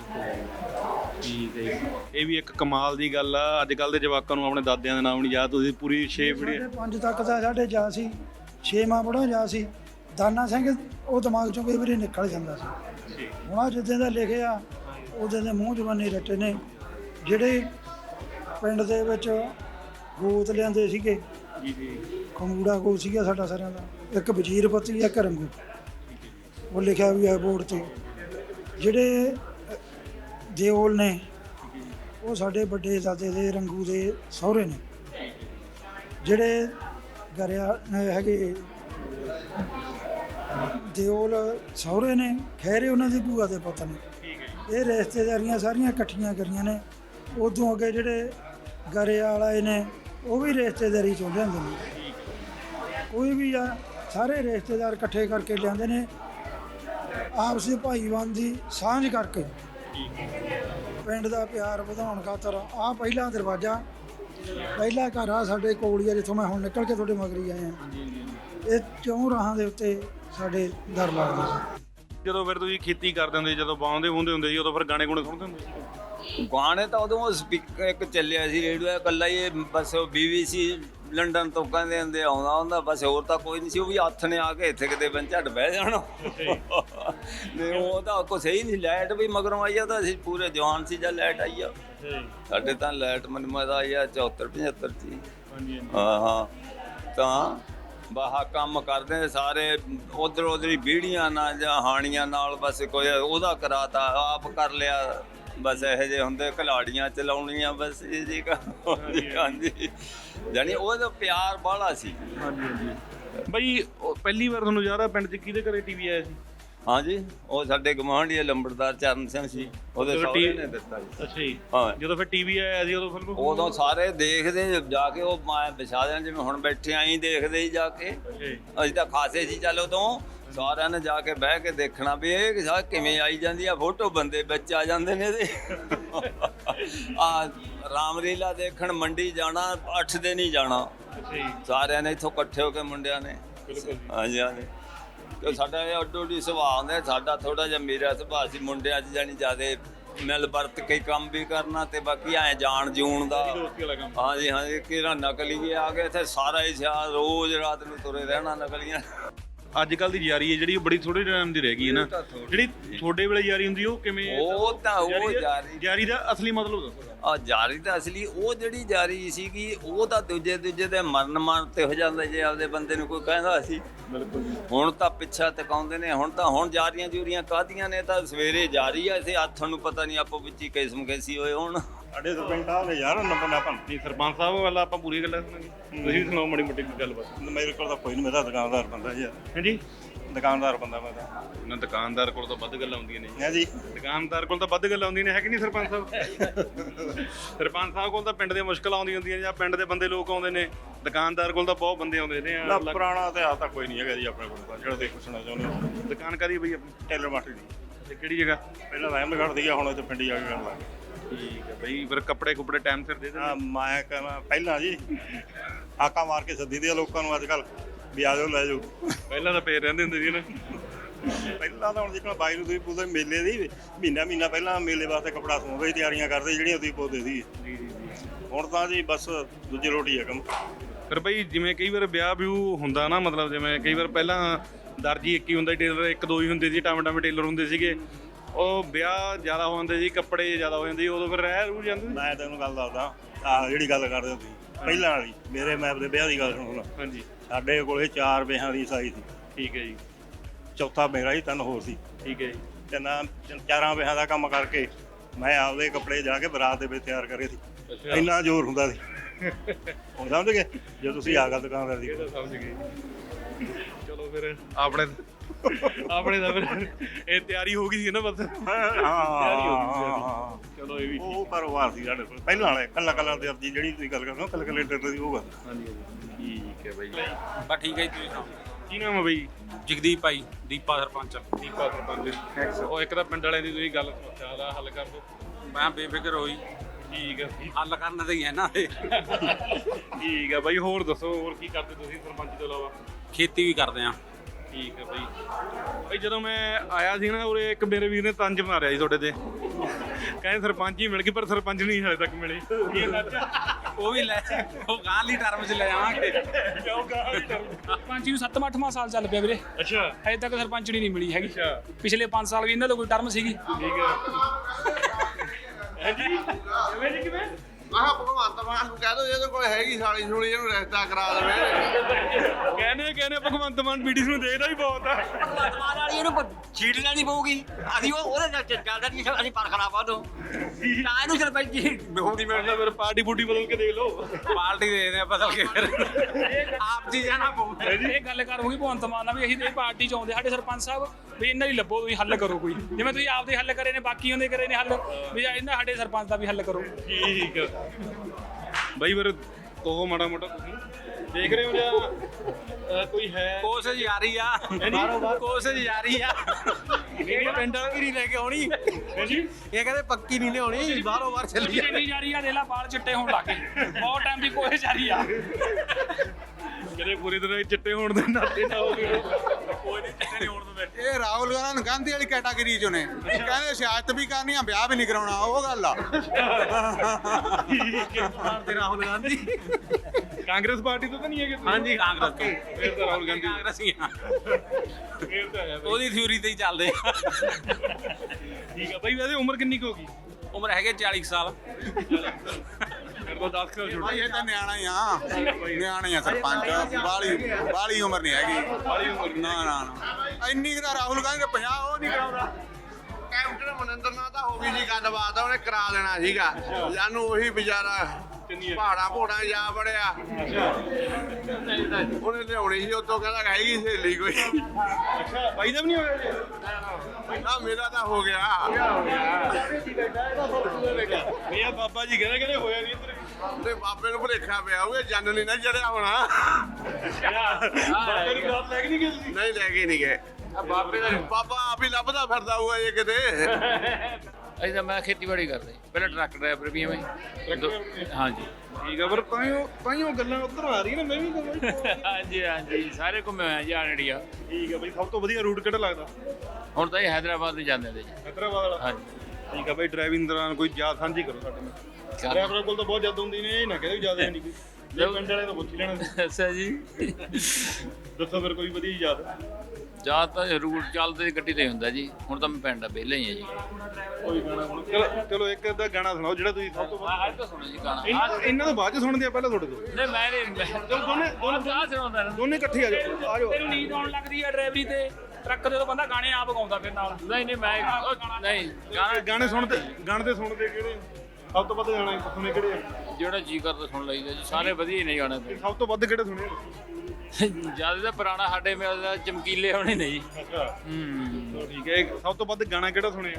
Speaker 4: ਠੀਕ ਹੈ ਜੀ। ਇਹ ਵੀ ਇੱਕ ਕਮਾਲ ਦੀ ਗੱਲ ਆ। ਅੱਜ ਕੱਲ੍ਹ ਦੇ ਜਵਾਕਾਂ ਨੂੰ ਆਪਣੇ ਦਾਦਿਆਂ ਦੇ ਨਾਮ ਨਹੀਂ ਯਾਦ। ਤੁਸੀਂ ਪੂਰੀ ਛੇ ਪੀੜ੍ਹੀ।
Speaker 9: ਸਾਡੇ ਪੰਜ ਤੱਕ ਦਾ ਸਾਡੇ ਜਾ ਸੀ, ਛੇਵਾਂ ਪੜ੍ਹਾ ਜਾ ਸੀ। ਦਾਨਾ ਸਿੰਘ ਉਹ ਦਿਮਾਗ ਚੋਂ ਕਈ ਵਾਰੀ ਨਿਕਲ ਜਾਂਦਾ ਸੀ। ਹੁਣ ਆਹ ਜਿੱਦਾਂ ਦਾ ਲਿਖਿਆ ਉਹਦੇ ਦੇ ਮੂੰਹ ਜਵਾਨੀ ਰੱਟੇ ਨੇ। ਜਿਹੜੇ ਪਿੰਡ ਦੇ ਵਿੱਚ ਗੋਤ ਲਿਆਂਦੇ ਸੀਗੇ,
Speaker 4: ਜੀ ਜੀ।
Speaker 9: ਖੰਗੂੜਾ ਗੋਤ ਸੀਗਾ ਸਾਡਾ ਸਾਰਿਆਂ ਦਾ। ਇੱਕ ਵਜ਼ੀਰ ਪੱਤੀ, ਇੱਕ ਰੰਗੂ। ਉਹ ਲਿਖਿਆ ਵੀ ਆ ਬੋਰਡ 'ਤੇ। ਜਿਹੜੇ ਦਿਓਲ ਨੇ ਉਹ ਸਾਡੇ ਵੱਡੇ ਦਾਦੇ ਦੇ ਰੰਗੂ ਦੇ ਸਹੁਰੇ ਨੇ। ਜਿਹੜੇ ਗਰਿਆ ਹੈਗੇ ਦਿਓਲ ਸਹੁਰੇ ਨੇ, ਖੈਰੇ ਉਹਨਾਂ ਦੀ ਭੂਆ ਦੇ ਪੁੱਤ ਨੇ। ਇਹ ਰਿਸ਼ਤੇਦਾਰੀਆਂ ਸਾਰੀਆਂ ਇਕੱਠੀਆਂ ਕਰੀਆਂ ਨੇ। ਉਦੋਂ ਅੱਗੇ ਜਿਹੜੇ ਗਰਿਆ ਵਾਲੇ ਨੇ ਉਹ ਵੀ ਰਿਸ਼ਤੇਦਾਰੀ ਚੋਂ ਲਿਆਂਦੇ ਨੇ। ਕੋਈ ਵੀ ਆ, ਸਾਰੇ ਰਿਸ਼ਤੇਦਾਰ ਇਕੱਠੇ ਕਰਕੇ ਲਿਆਂਦੇ ਨੇ, ਆਪਸੀ ਭਾਈਵਾਨ ਦੀ ਸਾਂਝ ਕਰਕੇ। ਪਿੰਡ ਦਾ ਪਿਆਰ ਵਧਾਉਣ ਖਾਤਰ ਆਹ ਪਹਿਲਾ ਦਰਵਾਜ਼ਾ, ਪਹਿਲਾ ਘਰ ਆ ਸਾਡੇ ਕੋਲ ਹੀ ਆ, ਜਿੱਥੋਂ ਮੈਂ ਹੁਣ ਨਿਕਲ ਕੇ ਤੁਹਾਡੇ ਮਗਰ ਹੀ ਆਇਆ। ਇਹ ਚੌਂ ਰਾਹਾਂ ਦੇ ਉੱਤੇ ਸਾਡੇ ਦਰ ਲੱਗਦਾ ਸੀ।
Speaker 4: ਜਦੋਂ ਫਿਰ ਤੁਸੀਂ ਖੇਤੀ ਕਰਦੇ ਹੁੰਦੇ, ਜਦੋਂ ਬਾਉਂਦੇ ਹੁੰਦੇ ਹੁੰਦੇ ਸੀ, ਉਦੋਂ ਫਿਰ ਗਾਣੇ ਗੁਣੇ ਸੁਣਦੇ ਹੁੰਦੇ ਸੀ?
Speaker 5: ਗਾਣੇ ਤਾਂ ਉਦੋਂ ਸਪੀਕਰ ਇੱਕ ਚੱਲਿਆ ਸੀ, ਰੇਡੀਓ ਇਕੱਲਾ ਹੀ। ਇਹ ਬਸ ਬੀਬੀਸੀ ਲੰਡਨ ਤੋਂ ਕਹਿੰਦੇ ਹੁੰਦੇ ਆਉਂਦਾ ਹੁੰਦਾ, ਬਸ ਹੋਰ ਤਾਂ ਕੋਈ ਨਹੀਂ ਸੀ। ਉਹ ਵੀ ਹੱਥ ਨੇ ਆ ਕੇ ਇੱਥੇ ਕਿਤੇ ਬੰ ਝੱਟ ਬਹਿ ਜਾਣਾ। ਨਹੀਂ ਉਹ ਤਾਂ ਕੁਛ ਸਹੀ ਨਹੀਂ। ਲਾਈਟ ਵੀ ਮਗਰੋਂ ਆਈ ਆ ਤਾਂ ਅਸੀਂ ਪੂਰੇ ਜਵਾਨ ਸੀ ਜਦ ਲਾਈਟ ਆਈ ਆ। ਸਾਡੇ ਤਾਂ ਲਾਈਟ ਮੈਨੂੰ ਮਜ਼ਾ ਆਈ ਆ ਚੌਹੱਤਰ ਪਝੱਤਰ 'ਚ। ਹਾਂ ਹਾਂ। ਤਾਂ ਬਾਹਾ ਕੰਮ ਕਰਦੇ ਸਾਰੇ ਉਧਰ ਉਧਰ ਹੀ ਬੀੜੀਆਂ ਨਾਲ ਜਾਂ ਹਾਣੀਆਂ ਨਾਲ, ਬਸ ਕੋਈ ਉਹਦਾ ਕਰਾਤਾ, ਆਪ ਕਰ ਲਿਆ। ਬਸ ਇਹੋ ਜਿਹੇ ਹੁੰਦੇ, ਘਲਾੜੀਆਂ ਚਲਾਉਣੀਆਂ, ਬਸ ਇਹ ਜੀ। ਹਾਂਜੀ। ਜਾਣੀ ਉਹਦਾ ਪਿਆਰ ਬਾਹਲਾ ਸੀ।
Speaker 4: ਬਈ ਉਹ ਪਹਿਲੀ ਵਾਰ ਤੁਹਾਨੂੰ ਯਾਦ ਆ ਪਿੰਡ 'ਚ ਕਿਹਦੇ ਘਰੇ ਟੀਵੀ ਆਇਆ ਸੀ?
Speaker 5: ਹਾਂਜੀ, ਉਹ ਸਾਡੇ ਗਵਾਂਢੀ ਲੰਬੜਦਾਰ ਚਰਨ ਸਿੰਘ ਸੀ, ਉਹਦੇ
Speaker 4: ਜਦੋਂ
Speaker 5: ਸਹੁਰੇ
Speaker 4: ਟੀ-
Speaker 5: ਨੇ ਦਿੱਤਾ ਜੀ।
Speaker 4: ਅੱਛਾ ਜੀ।
Speaker 5: ਹਾਂ,
Speaker 4: ਜਦੋਂ ਫਿਰ ਟੀਵੀ ਆਇਆ ਸੀ ਉਦੋਂ ਫਿਲਮ
Speaker 5: ਉਦੋਂ ਸਾਰੇ ਦੇਖਦੇ ਜਾ ਕੇ, ਉਹ ਮੈਂ ਵਿਛਾ ਦੇਣਾ ਜਿਵੇਂ ਹੁਣ ਬੈਠੇ ਆਂ ਦੇਖਦੇ ਹੀ ਜਾ ਕੇ। ਅਸੀਂ ਤਾਂ ਖਾਸੇ ਸੀ ਚੱਲ ਉਦੋਂ, ਸਾਰਿਆਂ ਨੇ ਜਾ ਕੇ ਬਹਿ ਕੇ ਦੇਖਣਾ ਵੀ ਇਹ ਸਾ ਕਿਵੇਂ ਆਈ ਜਾਂਦੀ ਆ ਫੋਟੋ, ਬੰਦੇ ਵਿੱਚ ਆ ਜਾਂਦੇ ਨੇ ਇਹਦੇ। ਆ ਰਾਮਲੀਲਾ ਦੇਖਣ ਮੰਡੀ ਜਾਣਾ, ਅੱਠ ਦਿਨ ਹੀ ਜਾਣਾ ਸਾਰਿਆਂ ਨੇ ਇੱਥੋਂ ਇਕੱਠੇ ਹੋ ਕੇ ਮੁੰਡਿਆਂ ਨੇ। ਹਾਂਜੀ ਹਾਂਜੀ, ਕਿ ਸਾਡਾ ਇਹ ਅੱਡੋ ਅੱਡੀ ਸੁਭਾਅ ਹੁੰਦਾ, ਸਾਡਾ ਥੋੜਾ ਜਿਹਾ ਮੇਰਾ ਸੁਭਾਅ ਸੀ ਮੁੰਡਿਆਂ 'ਚ ਜਾਣੀ ਜ਼ਿਆਦੇ ਮਿਲ ਵਰਤ ਕੇ ਕੰਮ ਵੀ ਕਰਨਾ, ਤੇ ਬਾਕੀ ਐ ਜਾਣ ਜੂਣ ਦਾ। ਹਾਂਜੀ ਹਾਂਜੀ, ਕਿਹੜਾ ਨਕਲੀ ਆ ਗਏ ਇੱਥੇ ਸਾਰਾ ਹੀ ਸਿਆਲ ਰੋਜ਼ ਰਾਤ ਨੂੰ ਤੁਰੇ ਰਹਿਣਾ ਨਕਲੀਆਂ।
Speaker 4: ਅੱਜ ਕੱਲ ਦੀ ਯਾਰੀ ਹੈ ਜਿਹੜੀ ਉਹ ਬੜੀ ਥੋੜੇ ਟਾਈਮ ਦੀ ਰਹਿ ਗਈ ਹੈ ਨਾ। ਜਿਹੜੀ ਤੁਹਾਡੇ ਵੇਲੇ ਯਾਰੀ ਹੁੰਦੀ ਉਹ ਕਿਵੇਂ?
Speaker 5: ਉਹ ਤਾਂ ਉਹ ਜਾਰੀ
Speaker 4: ਯਾਰੀ ਦਾ ਅਸਲੀ ਮਤਲਬ ਦੱਸੋ।
Speaker 5: ਆ ਜਾਰੀ ਤਾਂ ਅਸਲੀ ਉਹ ਜਿਹੜੀ ਜਾਰੀ ਸੀਗੀ, ਉਹ ਤਾਂ ਦੂਜੇ ਦੂਜੇ ਦੇ ਮਰਨ ਮਰਨ ਤੇ ਹੋ ਜਾਂਦਾ ਜੇ ਆਪਦੇ ਬੰਦੇ ਨੂੰ ਕੋਈ ਕਹਿੰਦਾ ਸੀ। ਹੁਣ ਤਾਂ ਪਿੱਛਾ ਟਿਕਾਉਂਦੇ ਨੇ, ਹੁਣ ਤਾਂ ਹੁਣ ਜਾਰੀਆਂ ਜੂਰੀਆਂ ਕਾਹਦੀਆਂ ਨੇ, ਤਾਂ ਸਵੇਰੇ ਜਾਰੀ ਆ ਇਸੇ ਹੱਥ ਨੂੰ ਪਤਾ ਨਹੀਂ ਆਪੋ ਵਿੱਚ ਹੀ ਕਿਸਮ ਕੈਸੀ ਹੋਏ ਹੁਣ।
Speaker 4: ਸਾਡੇ ਸਰਪੰਚ ਸਾਹਿਬ ਨੇ ਯਾਰ ਨੰਬਰ ਨਾ ਭੰਨ ਨਹੀਂ, ਸਰਪੰਚ ਸਾਹਿਬ ਵਾਲਾ ਆਪਾਂ ਪੂਰੀ ਗੱਲਾਂ ਸੁਣਾਂਗੇ, ਤੁਸੀਂ ਸੁਣਾਓ ਮਾੜੀ ਮੋਟੀ ਗੱਲਬਾਤ।
Speaker 10: ਮੇਰੇ ਕੋਲ ਤਾਂ ਕੋਈ ਨਹੀਂ, ਮੇਰਾ ਦੁਕਾਨਦਾਰ ਬੰਦਾ ਜੀ।
Speaker 4: ਹਾਂਜੀ,
Speaker 10: ਦੁਕਾਨਦਾਰ ਬੰਦਾ ਮੈਂ ਤਾਂ।
Speaker 4: ਉਹਨਾਂ ਦੁਕਾਨਦਾਰ ਕੋਲ ਤਾਂ ਵੱਧ ਗੱਲਾਂ ਹੁੰਦੀਆਂ ਨੇ
Speaker 10: ਹੈ ਜੀ,
Speaker 4: ਦੁਕਾਨਦਾਰ ਕੋਲ ਤਾਂ ਵੱਧ ਗੱਲਾਂ ਹੁੰਦੀਆਂ ਨੇ, ਹੈ ਕਿ ਨਹੀਂ ਸਰਪੰਚ ਸਾਹਿਬ? ਸਰਪੰਚ ਸਾਹਿਬ ਕੋਲ ਤਾਂ ਪਿੰਡ ਦੀਆਂ ਮੁਸ਼ਕਲਾਂ ਆਉਂਦੀਆਂ ਹੁੰਦੀਆਂ ਜਾਂ ਪਿੰਡ ਦੇ ਬੰਦੇ ਲੋਕ ਆਉਂਦੇ ਨੇ, ਦੁਕਾਨਦਾਰ ਕੋਲ ਤਾਂ ਬਹੁਤ ਬੰਦੇ ਆਉਂਦੇ ਨੇ।
Speaker 10: ਨਾ ਪੁਰਾਣਾ ਇਤਿਹਾਸ ਤਾਂ ਕੋਈ ਨਹੀਂ ਹੈਗਾ ਜੀ ਆਪਣੇ ਕੋਲ ਤਾਂ, ਜਿਹੜਾ ਤੁਸੀਂ ਪੁੱਛਣਾ ਚਾਹੁੰਦੇ ਹੋ।
Speaker 4: ਦੁਕਾਨ ਕਰੀ ਬਈ ਆਪਣੀ
Speaker 10: ਟੇਲਰ ਮਾਸਟਰ ਜੀ।
Speaker 4: ਤੇ ਕਿਹੜੀ ਜਗ੍ਹਾ?
Speaker 10: ਪਹਿਲਾਂ ਰਹਿਮਗੜ੍ਹ ਦੀ ਆ, ਹੁਣ ਇੱਥੇ ਪਿੰਡੀ ਜਾ ਕੇ ਕਰਨ ਲੱਗ ਗਏ।
Speaker 4: ਠੀਕ ਹੈ ਬਈ, ਫਿਰ ਕੱਪੜੇ ਕੁਪੜੇ ਟਾਈਮ ਸਿਰ ਦੇ ਦੇ।
Speaker 10: ਹਾਂ, ਮੈਂ ਕਹਿੰਦਾ ਪਹਿਲਾਂ ਜੀ ਹਾਕਾਂ ਮਾਰ ਕੇ ਸੱਦੀ ਦੇ ਲੋਕਾਂ ਨੂੰ, ਅੱਜ ਕੱਲ੍ਹ ਵੀ ਆ ਜਾਓ ਲੈ ਜਾਓ।
Speaker 4: ਪਹਿਲਾਂ ਤਾਂ ਪੇਰ ਰਹਿੰਦੇ ਹੁੰਦੇ ਸੀ ਨਾ।
Speaker 10: ਪਹਿਲਾਂ ਤਾਂ ਹੁਣ ਜਿੱਕਣਾ ਬਾਈ ਨੂੰ ਤੁਸੀਂ ਪੁੱਛਦੇ ਮੇਲੇ ਦੀ ਮਹੀਨਾ ਮਹੀਨਾ ਪਹਿਲਾਂ ਮੇਲੇ ਵਾਸਤੇ ਕੱਪੜਾ ਸੌਂਦੇ ਹੀ ਤਿਆਰੀਆਂ ਕਰਦੇ ਜਿਹੜੀਆਂ ਤੁਸੀਂ ਪੁੱਛਦੇ ਸੀ। ਹੁਣ ਤਾਂ ਜੀ ਬਸ ਦੂਜੀ ਰੋਟੀ ਹੈ ਕੰਮ।
Speaker 4: ਫਿਰ ਬਈ ਜਿਵੇਂ ਕਈ ਵਾਰ ਵਿਆਹ ਵਿਊ ਹੁੰਦਾ ਨਾ, ਮਤਲਬ ਜਿਵੇਂ ਕਈ ਵਾਰ ਪਹਿਲਾਂ ਦਰਜੀ ਇੱਕ ਹੀ ਹੁੰਦਾ, ਟੇਲਰ ਇੱਕ ਦੋ ਹੀ ਹੁੰਦੇ ਸੀ, ਟਾਵੇਂ ਟਾਵੇਂ ਟੇਲਰ ਹੁੰਦੇ ਸੀਗੇ। ਉਹ ਵਿਆਹ ਜ਼ਿਆਦਾ ਹੋ ਜਾਂਦੇ ਸੀ, ਕੱਪੜੇ ਜ਼ਿਆਦਾ ਹੋ ਜਾਂਦੇ ਸੀ, ਉਦੋਂ ਫਿਰ ਰਹਿ ਰੂ ਜਾਂਦੇ।
Speaker 10: ਮੈਂ ਤੈਨੂੰ ਗੱਲ ਦੱਸਦਾ, ਆਹ ਜਿਹੜੀ ਗੱਲ ਕਰਦੇ ਹੋ ਤੁਸੀਂ ਪਹਿਲਾਂ ਵਾਲੀ, ਮੇਰੇ ਮੈਪ ਦੇ ਵਿਆਹ ਦੀ ਗੱਲ ਸੁਣੋ।
Speaker 4: ਹਾਂਜੀ,
Speaker 10: ਸਾਡੇ ਕੋਲੇ ਚਾਰ ਵਿਆਹਾਂ ਦੀ ਸਾਈ ਸੀ।
Speaker 4: ਠੀਕ ਹੈ ਜੀ।
Speaker 10: ਚੌਥਾ ਮੇਰਾ ਹੀ, ਤਿੰਨ ਹੋਰ ਸੀ।
Speaker 4: ਠੀਕ ਹੈ ਜੀ।
Speaker 10: ਤਿੰਨਾਂ ਚਾਰਾਂ ਵਿਆਹਾਂ ਦਾ ਕੰਮ ਕਰਕੇ ਮੈਂ ਆਪਦੇ ਕੱਪੜੇ ਜਾ ਕੇ ਬਰਾਤ ਦੇ ਵਿੱਚ ਤਿਆਰ ਕਰੇ ਸੀ। ਇੰਨਾ ਜ਼ੋਰ ਹੁੰਦਾ ਸੀ। ਹੁਣ ਸਮਝ ਗਏ ਜੇ ਤੁਸੀਂ ਆ ਗੱਲ ਦੁਕਾਨਦਾਰ ਦੀ?
Speaker 4: ਸਮਝ ਗਏ। ਚਲੋ ਫਿਰ ਆਪਣੇ ਆਪਣੇ ਦਾ ਫਿਰ ਇਹ ਤਿਆਰੀ ਹੋ ਗਈ ਸੀ ਨਾ ਬਸ।
Speaker 10: ਹਾਂ,
Speaker 4: ਚਲੋ ਇਹ ਵੀ
Speaker 10: ਉਹ ਕਾਰੋਬਾਰ ਸੀ ਸਾਡੇ ਕੋਲ ਪਹਿਲਾਂ ਵਾਲੇ, ਕੱਲਾ ਕੱਲਾ ਦਰਜੀ ਜਿਹੜੀ ਤੁਸੀਂ ਗੱਲ ਕਰਦੇ ਹੋ, ਕੱਲੇ ਕੱਲੇ ਟੇਲਰ ਦੀ ਉਹ ਗੱਲ।
Speaker 4: ਹਾਂਜੀ ਠੀਕ ਹੈ ਬਾਈ।
Speaker 2: ਬਸ ਠੀਕ ਹੈ ਜੀ, ਤੁਸੀਂ ਸੁਣਾਓ।
Speaker 4: ਕੀ ਨਾਮ ਹੈ ਬਾਈ?
Speaker 2: ਜਗਦੀਪ ਭਾਈ, ਦੀਪਾ ਸਰਪੰਚ।
Speaker 4: ਦੀਪਾ ਸਰਪੰਚ। ਉਹ ਇੱਕ ਤਾਂ ਪਿੰਡ ਵਾਲਿਆਂ ਦੀ ਤੁਸੀਂ ਗੱਲ ਸਮੱਸਿਆ ਦਾ ਹੱਲ ਕਰ ਦਿਓ।
Speaker 2: ਮੈਂ ਬੇਫਿਕਰ ਹੋਈ,
Speaker 4: ਠੀਕ ਹੈ,
Speaker 2: ਹੱਲ ਕਰਨ ਦੇ ਹੀ ਹੈ ਨਾ।
Speaker 4: ਠੀਕ ਹੈ ਬਾਈ। ਹੋਰ ਦੱਸੋ, ਹੋਰ ਕੀ ਕਰਦੇ ਤੁਸੀਂ ਸਰਪੰਚ ਤੋਂ ਇਲਾਵਾ?
Speaker 2: ਖੇਤੀ ਵੀ ਕਰਦੇ ਆ।
Speaker 4: ਠੀਕ ਹੈ ਬਾਈ। ਬਾਈ ਜਦੋਂ ਮੈਂ ਆਇਆ ਸੀ ਨਾ ਉਰੇ, ਇੱਕ ਮੇਰੇ ਵੀਰ ਨੇ ਤੰਜ ਮਾਰਿਆ ਸੀ ਤੁਹਾਡੇ ਤੇ, ਕਹਿੰਦੇ ਸਰਪੰਚ ਹੀ ਮਿਲ ਗਈ, ਪਰ ਸਰਪੰਚ ਨਹੀਂ ਹਾਲੇ ਤੱਕ ਮਿਲੇ।
Speaker 2: ਉਹ ਵੀ ਲੈ, ਉਹ ਗਾਂ ਲਈ ਟਰਮ 'ਚ ਲੈ ਜਾਵਾਂਗੇ। ਸਰਪੰਚ ਨੂੰ ਸੱਤਵਾਂ ਅੱਠਵਾਂ ਸਾਲ ਚੱਲ ਪਿਆ ਵੀਰੇ।
Speaker 4: ਅੱਛਾ,
Speaker 2: ਹਜੇ ਤੱਕ ਸਰਪੰਚਣੀ ਨਹੀਂ ਮਿਲੀ ਹੈਗੀ।
Speaker 4: ਅੱਛਾ,
Speaker 2: ਪਿਛਲੇ ਪੰਜ ਸਾਲ ਵੀ ਇਹਨਾਂ ਦਾ ਕੋਈ ਟਰਮ ਸੀਗੀ।
Speaker 4: ਠੀਕ ਹੈ। ਹਾਂਜੀ, ਕਿਵੇਂ ਜੀ ਕਿਵੇਂ?
Speaker 6: ਆਹ ਭਗਵੰਤ ਮਾਨ ਨੂੰ ਕਹਿ ਦੋ ਇਹਦੇ ਕੋਲ ਹੈਗੀ ਸਾਲੀ ਸੂਲੀ, ਇਹਨੂੰ ਰਿਸ਼ਤਾ ਕਰਾ ਦੇਵੇ।
Speaker 4: ਕਹਿੰਦੇ ਕਹਿੰਦੇ ਭਗਵੰਤ ਮਾਨ ਬੀਡੀ ਨੂੰ ਦੇਖਦਾ ਹੀ ਬਹੁਤ ਆ।
Speaker 7: ਭਗਵੰਤ ਮਾਨ ਵਾਲੀ ਇਹਨੂੰ ਛੀਟ ਲੈਣੀ ਪਊਗੀ। ਅਸੀਂ ਉਹ ਉਹਦੇ ਨਾਲ ਚੱਲਦਾ ਨਹੀਂ, ਅਸੀਂ ਪਰ ਖਰਾਬ ਆ ਦੋ ਤਾਂ ਇਹਨੂੰ ਸਰਪੰਚ ਜੀ
Speaker 4: ਬੇਹੂਦੀ ਮਿਲਦਾ, ਫਿਰ ਪਾਰਟੀ ਬੂਟੀ ਬਦਲ ਕੇ ਦੇਖ ਲਓ।
Speaker 2: ਪਾਰਟੀ ਦੇ ਦੇ ਬਦਲ ਕੇ ਫਿਰ ਆਪ ਜੀ ਜਾਣਾ ਪਊ। ਇਹ ਗੱਲ ਕਰ ਹੋਗੀ ਭਗਵੰਤ ਮਾਨ ਨਾਲ ਵੀ ਅਸੀਂ ਇਹ ਪਾਰਟੀ ਚ ਆਉਂਦੇ, ਸਾਡੇ ਸਰਪੰਚ ਸਾਹਿਬ ਵੀ ਇਹਨਾਂ ਦੀ ਲੱਭੋ, ਤੁਸੀਂ ਹੱਲ ਕਰੋ ਕੋਈ, ਜਿਵੇਂ ਤੁਸੀਂ ਆਪਦੇ ਹੱਲ ਕਰੇ ਨੇ ਬਾਕੀਆਂ ਦੇ ਕਰੇ ਨੇ ਹੱਲ, ਵੀ ਇਹਨਾਂ ਸਾਡੇ ਸਰਪੰਚ ਦਾ ਵੀ ਹੱਲ ਕਰੋ।
Speaker 4: ਠੀਕ ਆ ਬਾਈ। ਫਿਰ ਕਹੋ ਮਾੜਾ ਮੋਟਾ, ਤੁਸੀਂ ਦੇਖ ਰਹੇ ਹੋ ਜਾਂ ਕੋਈ ਹੈ?
Speaker 2: ਕੋਸ਼ਿਸ਼ ਜਾਰੀ ਆ, ਕੋਸ਼ਿਸ਼ ਜਾਰੀ ਆ। ਇਹ ਪਿੰਡ ਵਾਲੀ ਨਹੀਂ ਲੈ ਕੇ ਆਉਣੀ, ਇਹ ਕਹਿੰਦੇ ਪੱਕੀ ਨਹੀਂ ਲਿਆਉਣੀ, ਬਾਹਰੋਂ ਬਾਹਰ ਚੱਲੀ ਜਾਂਦੀ ਜਾਰੀ ਆ। ਦੇਲਾ ਬਾਲ ਚਿੱਟੇ ਹੋਣ ਲੱਗੇ, ਬਹੁਤ ਟਾਈਮ ਦੀ ਕੋਸ਼ਿਸ਼ ਜਾਰੀ ਆ।
Speaker 4: ਜਿਹੜੇ ਪੂਰੀ ਤਰ੍ਹਾਂ ਚਿੱਟੇ ਹੋਣ ਦੇ ਨਾਤੇ ਨਾ ਹੋ ਗਏ, ਕੋਈ ਨਹੀਂ ਚਿੱਟੇ ਨਹੀਂ ਹੋਣ ਦਿੰਦੇ।
Speaker 3: ਇਹ ਰਾਹੁਲ ਗਾਂਧੀ ਵਾਲੀ ਕੈਟਾਗਰੀ ਚੋਂ ਨੇ, ਕਹਿੰਦੇ ਸਿਆਸਤ ਵੀ ਕਰਨੀ ਆ, ਵਿਆਹ ਵੀ ਨਹੀਂ ਕਰਾਉਣਾ, ਉਹ ਗੱਲ ਆ।
Speaker 2: ਤੇ ਰਾਹੁਲ ਗਾਂਧੀ
Speaker 4: ਕਾਂਗਰਸ ਪਾਰਟੀ ਤੋਂ ਤਾਂ ਨਹੀਂ ਹੈਗੇ?
Speaker 2: ਹਾਂਜੀ, ਕਾਂਗਰਸ ਤੋਂ।
Speaker 4: ਫਿਰ ਤਾਂ ਰਾਹੁਲ ਗਾਂਧੀ
Speaker 2: ਕਾਂਗਰਸੀ ਆ,
Speaker 4: ਫਿਰ ਤਾਂ ਹੈ।
Speaker 2: ਉਹਦੀ ਥਿਊਰੀ ਤੇ ਹੀ ਚੱਲਦੇ।
Speaker 4: ਠੀਕ ਆ ਬਾਈ। ਵੈਸੇ ਉਮਰ ਕਿੰਨੀ ਕੁ ਹੋ ਗਈ?
Speaker 2: ਉਮਰ ਹੈਗੇ ਚਾਲੀ ਸਾਲ।
Speaker 4: ਮੇਰੇ ਤੋਂ ਦਸ ਸਾਲ ਛੋਟਾ।
Speaker 3: ਭਾਈ ਇਹ ਤਾਂ ਨਿਆਣਾ ਹੀ ਆ, ਨਿਆਣਾ ਹੀ ਆ ਸਰਪੰਚ, ਬਾਲੀ ਬਾਲੀ ਉਮਰ ਨਹੀਂ ਹੈਗੀ।
Speaker 4: ਬਾਲੀ ਉਮਰ
Speaker 3: ਨਾ ਨਾ ਨਾ ਇੰਨੀ ਕੁ ਤਾਂ ਰਾਹੁਲ ਗਾਂਧੀ ਪੰਜਾਹ ਉਹ ਨਹੀਂ ਕਰਾਉਂਦਾ। ਕੈਪਟਨ ਮਨਿੰਦਰ ਨਾਲ ਤਾਂ ਹੋ ਗਈ ਸੀ ਗੱਲਬਾਤ, ਉਹਨੇ ਕਰਾ ਦੇਣਾ ਸੀਗਾ, ਜਾਨੂੰ ਉਹੀ ਵਿਚਾਰਾ
Speaker 6: ਪਹਾੜਾ ਭੋੜਾ ਜਾ ਬੜਿਆ ਉਹਨੇ ਲਿਆਉਣੀ ਸੀ ਉਤੋਂ ਕਹਿੰਦਾ ਹੈਗੀ ਸਹੇਲੀ ਕੋਈ
Speaker 4: ਅੱਛਾ ਬਾਈ ਦਾ ਵੀ ਨਹੀਂ ਹੋਇਆ ਜੀ
Speaker 6: ਨਾ ਮੇਰਾ ਤਾਂ ਹੋ ਗਿਆ
Speaker 4: ਇਹ ਆ ਬਾਬਾ ਜੀ ਕਹਿੰਦੇ ਕਹਿੰਦੇ ਹੋਇਆ ਨਹੀਂ ਇੱਧਰ
Speaker 6: ਤੇ ਬਾਬੇ ਨੂੰ ਭੁਲੇਖਾ ਪਿਆ ਉਹ ਜੰਨ ਨਹੀਂ ਨਾ ਚੜਿਆ ਹੋਣਾ
Speaker 4: ਬਾਬੇ ਨੂੰ ਬਾਤ ਲੈ ਕੇ ਨਹੀਂ ਗਏ ਤੁਸੀਂ
Speaker 6: ਨਹੀਂ ਲੈ ਕੇ ਨਹੀਂ ਗਏ ਬਾਬੇ ਦਾ ਬਾਬਾ ਆਪ ਹੀ ਲੱਭਦਾ ਫਿਰਦਾ ਹੋਊਗਾ ਇਹ ਕਿਤੇ
Speaker 7: ਅਸੀਂ ਤਾਂ ਮੈਂ ਖੇਤੀਬਾੜੀ ਕਰਦੇ ਪਹਿਲਾਂ ਟਰੱਕ ਡਰਾਈਵਰ ਵੀ ਐਵੇਂ ਹਾਂਜੀ
Speaker 4: ਠੀਕ ਆ ਪਰ ਤਾਂਹੀਓ ਤਾਂਹੀਓ ਗੱਲਾਂ ਉੱਧਰ ਆ ਰਹੀਆਂ ਨੇ ਮੈਂ ਵੀ ਕਹਾਂ
Speaker 7: ਹਾਂਜੀ ਹਾਂਜੀ ਸਾਰੇ ਘੁੰਮੇ ਹੋਏ ਜੀ ਆਲ ਇੰਡੀਆ
Speaker 4: ਠੀਕ ਆ ਬਈ ਸਭ ਤੋਂ ਵਧੀਆ ਰੂਟ ਕਿਹੜਾ ਲੱਗਦਾ
Speaker 7: ਹੁਣ ਤਾਂ ਇਹ ਹੈਦਰਾਬਾਦ ਨੂੰ ਜਾਂਦੇ ਨੇ ਜੀ
Speaker 4: ਹੈਦਰਾਬਾਦ ਵਾਲਾ
Speaker 7: ਹਾਂਜੀ
Speaker 4: ਠੀਕ ਆ ਬਈ ਡਰਾਈਵਿੰਗ ਦੌਰਾਨ ਕੋਈ ਯਾਦ ਸਾਂਝੀ ਕਰੋ ਸਾਡੇ ਨਾਲ ਡਰਾਈਵਰਾਂ ਕੋਲ ਤਾਂ ਬਹੁਤ ਯਾਦ ਹੁੰਦੀ ਨੇ ਇਹ ਨਾ ਕਹਿੰਦੇ ਯਾਦ ਹੈ ਨਹੀਂ ਕੋਈ ਜੇ ਪਿੰਡ ਵਾਲੇ ਤਾਂ ਪੁੱਛ ਹੀ ਲੈਣਾ
Speaker 7: ਅੱਛਾ ਜੀ
Speaker 4: ਦੱਸੋ ਫਿਰ ਕੋਈ ਵਧੀਆ ਯਾਦ
Speaker 7: ਜਾਂ ਤਾਂ ਰੂਟ ਚੱਲਦੇ ਗੱਡੀ ਤੇ ਹੁੰਦਾ ਜੀ ਹੁਣ ਤਾਂ ਮੈਂ ਪਿੰਡ ਆ ਵਿਹਲਾ ਹੀ ਆ ਜੀ
Speaker 4: ਕੋਈ ਗਾਣਾ ਸੁਣੋ ਚਲੋ ਚਲੋ ਇੱਕ ਅੱਧਾ ਗਾਣਾ ਸੁਣਾਓ ਜਿਹੜਾ ਤੁਸੀਂ ਸਭ ਤੋਂ ਵੱਧ
Speaker 7: ਅੱਜ ਤਾਂ ਸੁਣੋ ਜੀ ਗਾਣਾ
Speaker 4: ਇਹਨਾਂ ਇਹਨਾਂ ਤੋਂ ਬਾਅਦ ਚ ਸੁਣਦੇ ਆ ਪਹਿਲਾਂ ਤੁਹਾਡੇ ਤੋਂ
Speaker 7: ਨਹੀਂ ਮੈਂ ਨਹੀਂ
Speaker 4: ਚਲੋ ਦੋਨੇ
Speaker 7: ਦੋਨੇ ਆਹ ਸੁਣਾਉਂਦਾ ਨਾ
Speaker 4: ਦੋਨੇ ਇਕੱਠੇ ਆ ਜਾਓ ਆ ਜਾਓ
Speaker 2: ਤੈਨੂੰ ਨੀਂਦ ਆਉਣ ਲੱਗਦੀ ਹੈ ਡਰਾਈਵਰੀ ਤੇ ਟਰੱਕ ਦੇ ਤੋਂ ਬੰਦਾ ਗਾਣੇ ਆਪ ਗਾਉਂਦਾ ਫਿਰ ਨਾਲ
Speaker 7: ਨਹੀਂ ਨਹੀਂ ਮੈਂ ਨਹੀਂ
Speaker 4: ਗਾਣੇ ਗਾਣੇ ਸੁਣਦੇ ਗਾਣੇ ਤੇ ਸੁਣਦੇ ਕਿਹੜੇ ਸਭ ਤੋਂ ਵੱਧ ਗਾਣੇ ਸੁਣੇ ਕਿਹੜੇ ਆ
Speaker 7: ਜਿਹੜਾ ਜੀ ਕਰਦਾ ਸੁਣ ਲਈਦਾ ਜੀ ਸਾਰੇ ਵਧੀਆ ਹੀ ਨੇ ਗਾਣੇ ਤੇ
Speaker 4: ਸਭ ਤੋਂ ਵੱਧ ਕਿਹੜੇ ਸੁਣੇ
Speaker 7: ਜਿਆਦਾ ਤਾਂ ਪੁਰਾਣਾ ਸਾਡੇ ਮੇਲ ਦਾ ਚਮਕੀਲੇ ਹੋਣੇ ਨੇ ਜੀ
Speaker 4: ਅੱਛਾ
Speaker 7: ਹੂੰ
Speaker 4: ਠੀਕ ਹੈ ਸਭ ਤੋਂ ਵੱਧ ਗਾਣਾ ਕਿਹੜਾ ਸੁਣਿਆ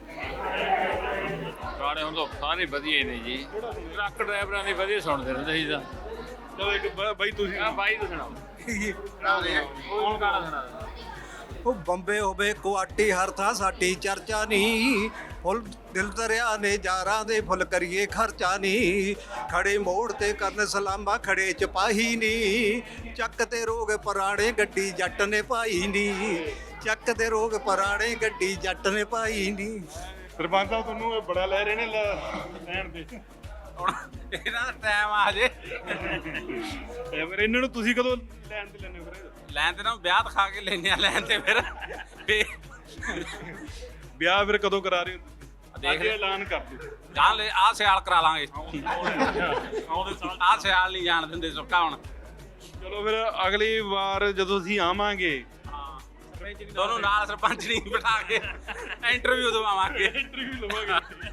Speaker 7: ਗਾਣੇ ਹੁਣ ਤਾਂ ਸਾਰੇ ਵਧੀਆ ਹੀ ਨੇ ਜੀ ਟਰੱਕ ਡਰਾਈਵਰਾਂ ਦੇ ਵਧੀਆ ਸੁਣਦੇ ਰਹਿੰਦੇ ਸੀ ਤਾਂ
Speaker 4: ਚਲੋ ਇੱਕ ਬ- ਬਾਈ ਤੁਸੀਂ
Speaker 7: ਆ ਬਾਈ ਤੂੰ ਸੁਣਾਓ ਕੌਣ ਗਾਣਾ ਸੁਣਾ
Speaker 1: ਉਹ ਬੰਬੇ ਹੋਵੇ ਕੁਆਟੀ ਹਰ ਥਾਂ ਸਾਡੀ ਚਰਚਾ ਨਹੀਂ ਫੁੱਲ ਦਿਲ ਦਰਿਆ ਨੇ ਜਾਰਾਂ ਦੇ ਫੁੱਲ ਕਰੀਏ ਖਰਚਾ ਨਹੀਂ ਖੜੇ ਮੋੜ ਤੇ ਕਰਨ ਸਲਾਮਾ ਖੜੇ ਚਪਾਹੀ ਨਹੀਂ ਚੱਕ ਤੇ ਰੋਗ ਪੁਰਾਣੇ ਗੱਡੀ ਜੱਟ ਨੇ ਪਾਈ ਨਹੀਂ ਚੱਕ ਤੇ ਰੋਗ ਪੁਰਾਣੇ ਗੱਡੀ ਜੱਟ ਨੇ ਪਾਈ ਨਹੀਂ
Speaker 4: ਸਰਪੰਚ ਸਾਹਿਬ ਤੁਹਾਨੂੰ ਇਹ ਬੜਾ ਲੈ ਰਹੇ ਨੇ ਲੈਣ ਤੇ
Speaker 7: ਹੁਣ ਇਹਨਾਂ ਦਾ ਟਾਈਮ ਆ ਜੇ
Speaker 4: ਇਹ ਫਿਰ ਇਹਨਾਂ ਨੂੰ ਤੁਸੀਂ ਕਦੋਂ ਲੈਣ ਤੇ ਲੈਣੇ ਫਿਰ
Speaker 7: ਲੈਣ ਤੇ ਨਾ ਵਿਆਹ ਦਿਖਾ ਕੇ ਲੈਣੇ ਆ ਲੈਣ ਤੇ ਫਿਰ ਫੇ
Speaker 4: ਵਿਆਹ ਫਿਰ ਕਦੋਂ ਕਰਾ ਰਹੇ ਹੋ
Speaker 7: ਦੇਖ
Speaker 4: ਦੇਖ ਐਲਾਨ ਕਰ ਦਿਓ
Speaker 7: ਜਾਣ ਲੈ ਆ ਸਿਆਲ ਕਰਾ ਲਾਂਗੇ ਆ ਸਿਆਲ ਨਹੀਂ ਜਾਣ ਦਿੰਦੇ ਸੁੱਕਾ ਹੁਣ
Speaker 4: ਚਲੋ ਫਿਰ ਅਗਲੀ ਵਾਰ ਜਦੋਂ ਅਸੀਂ ਆਵਾਂਗੇ
Speaker 7: ਦੋਨੋਂ ਨਾਲ ਸਰਪੰਚ ਨਹੀਂ ਬਿਠਾ ਕੇ ਇੰਟਰਵਿਊ ਦਵਾਵਾਂਗੇ
Speaker 4: ਇੰਟਰਵਿਊ ਲਵਾਂਗੇ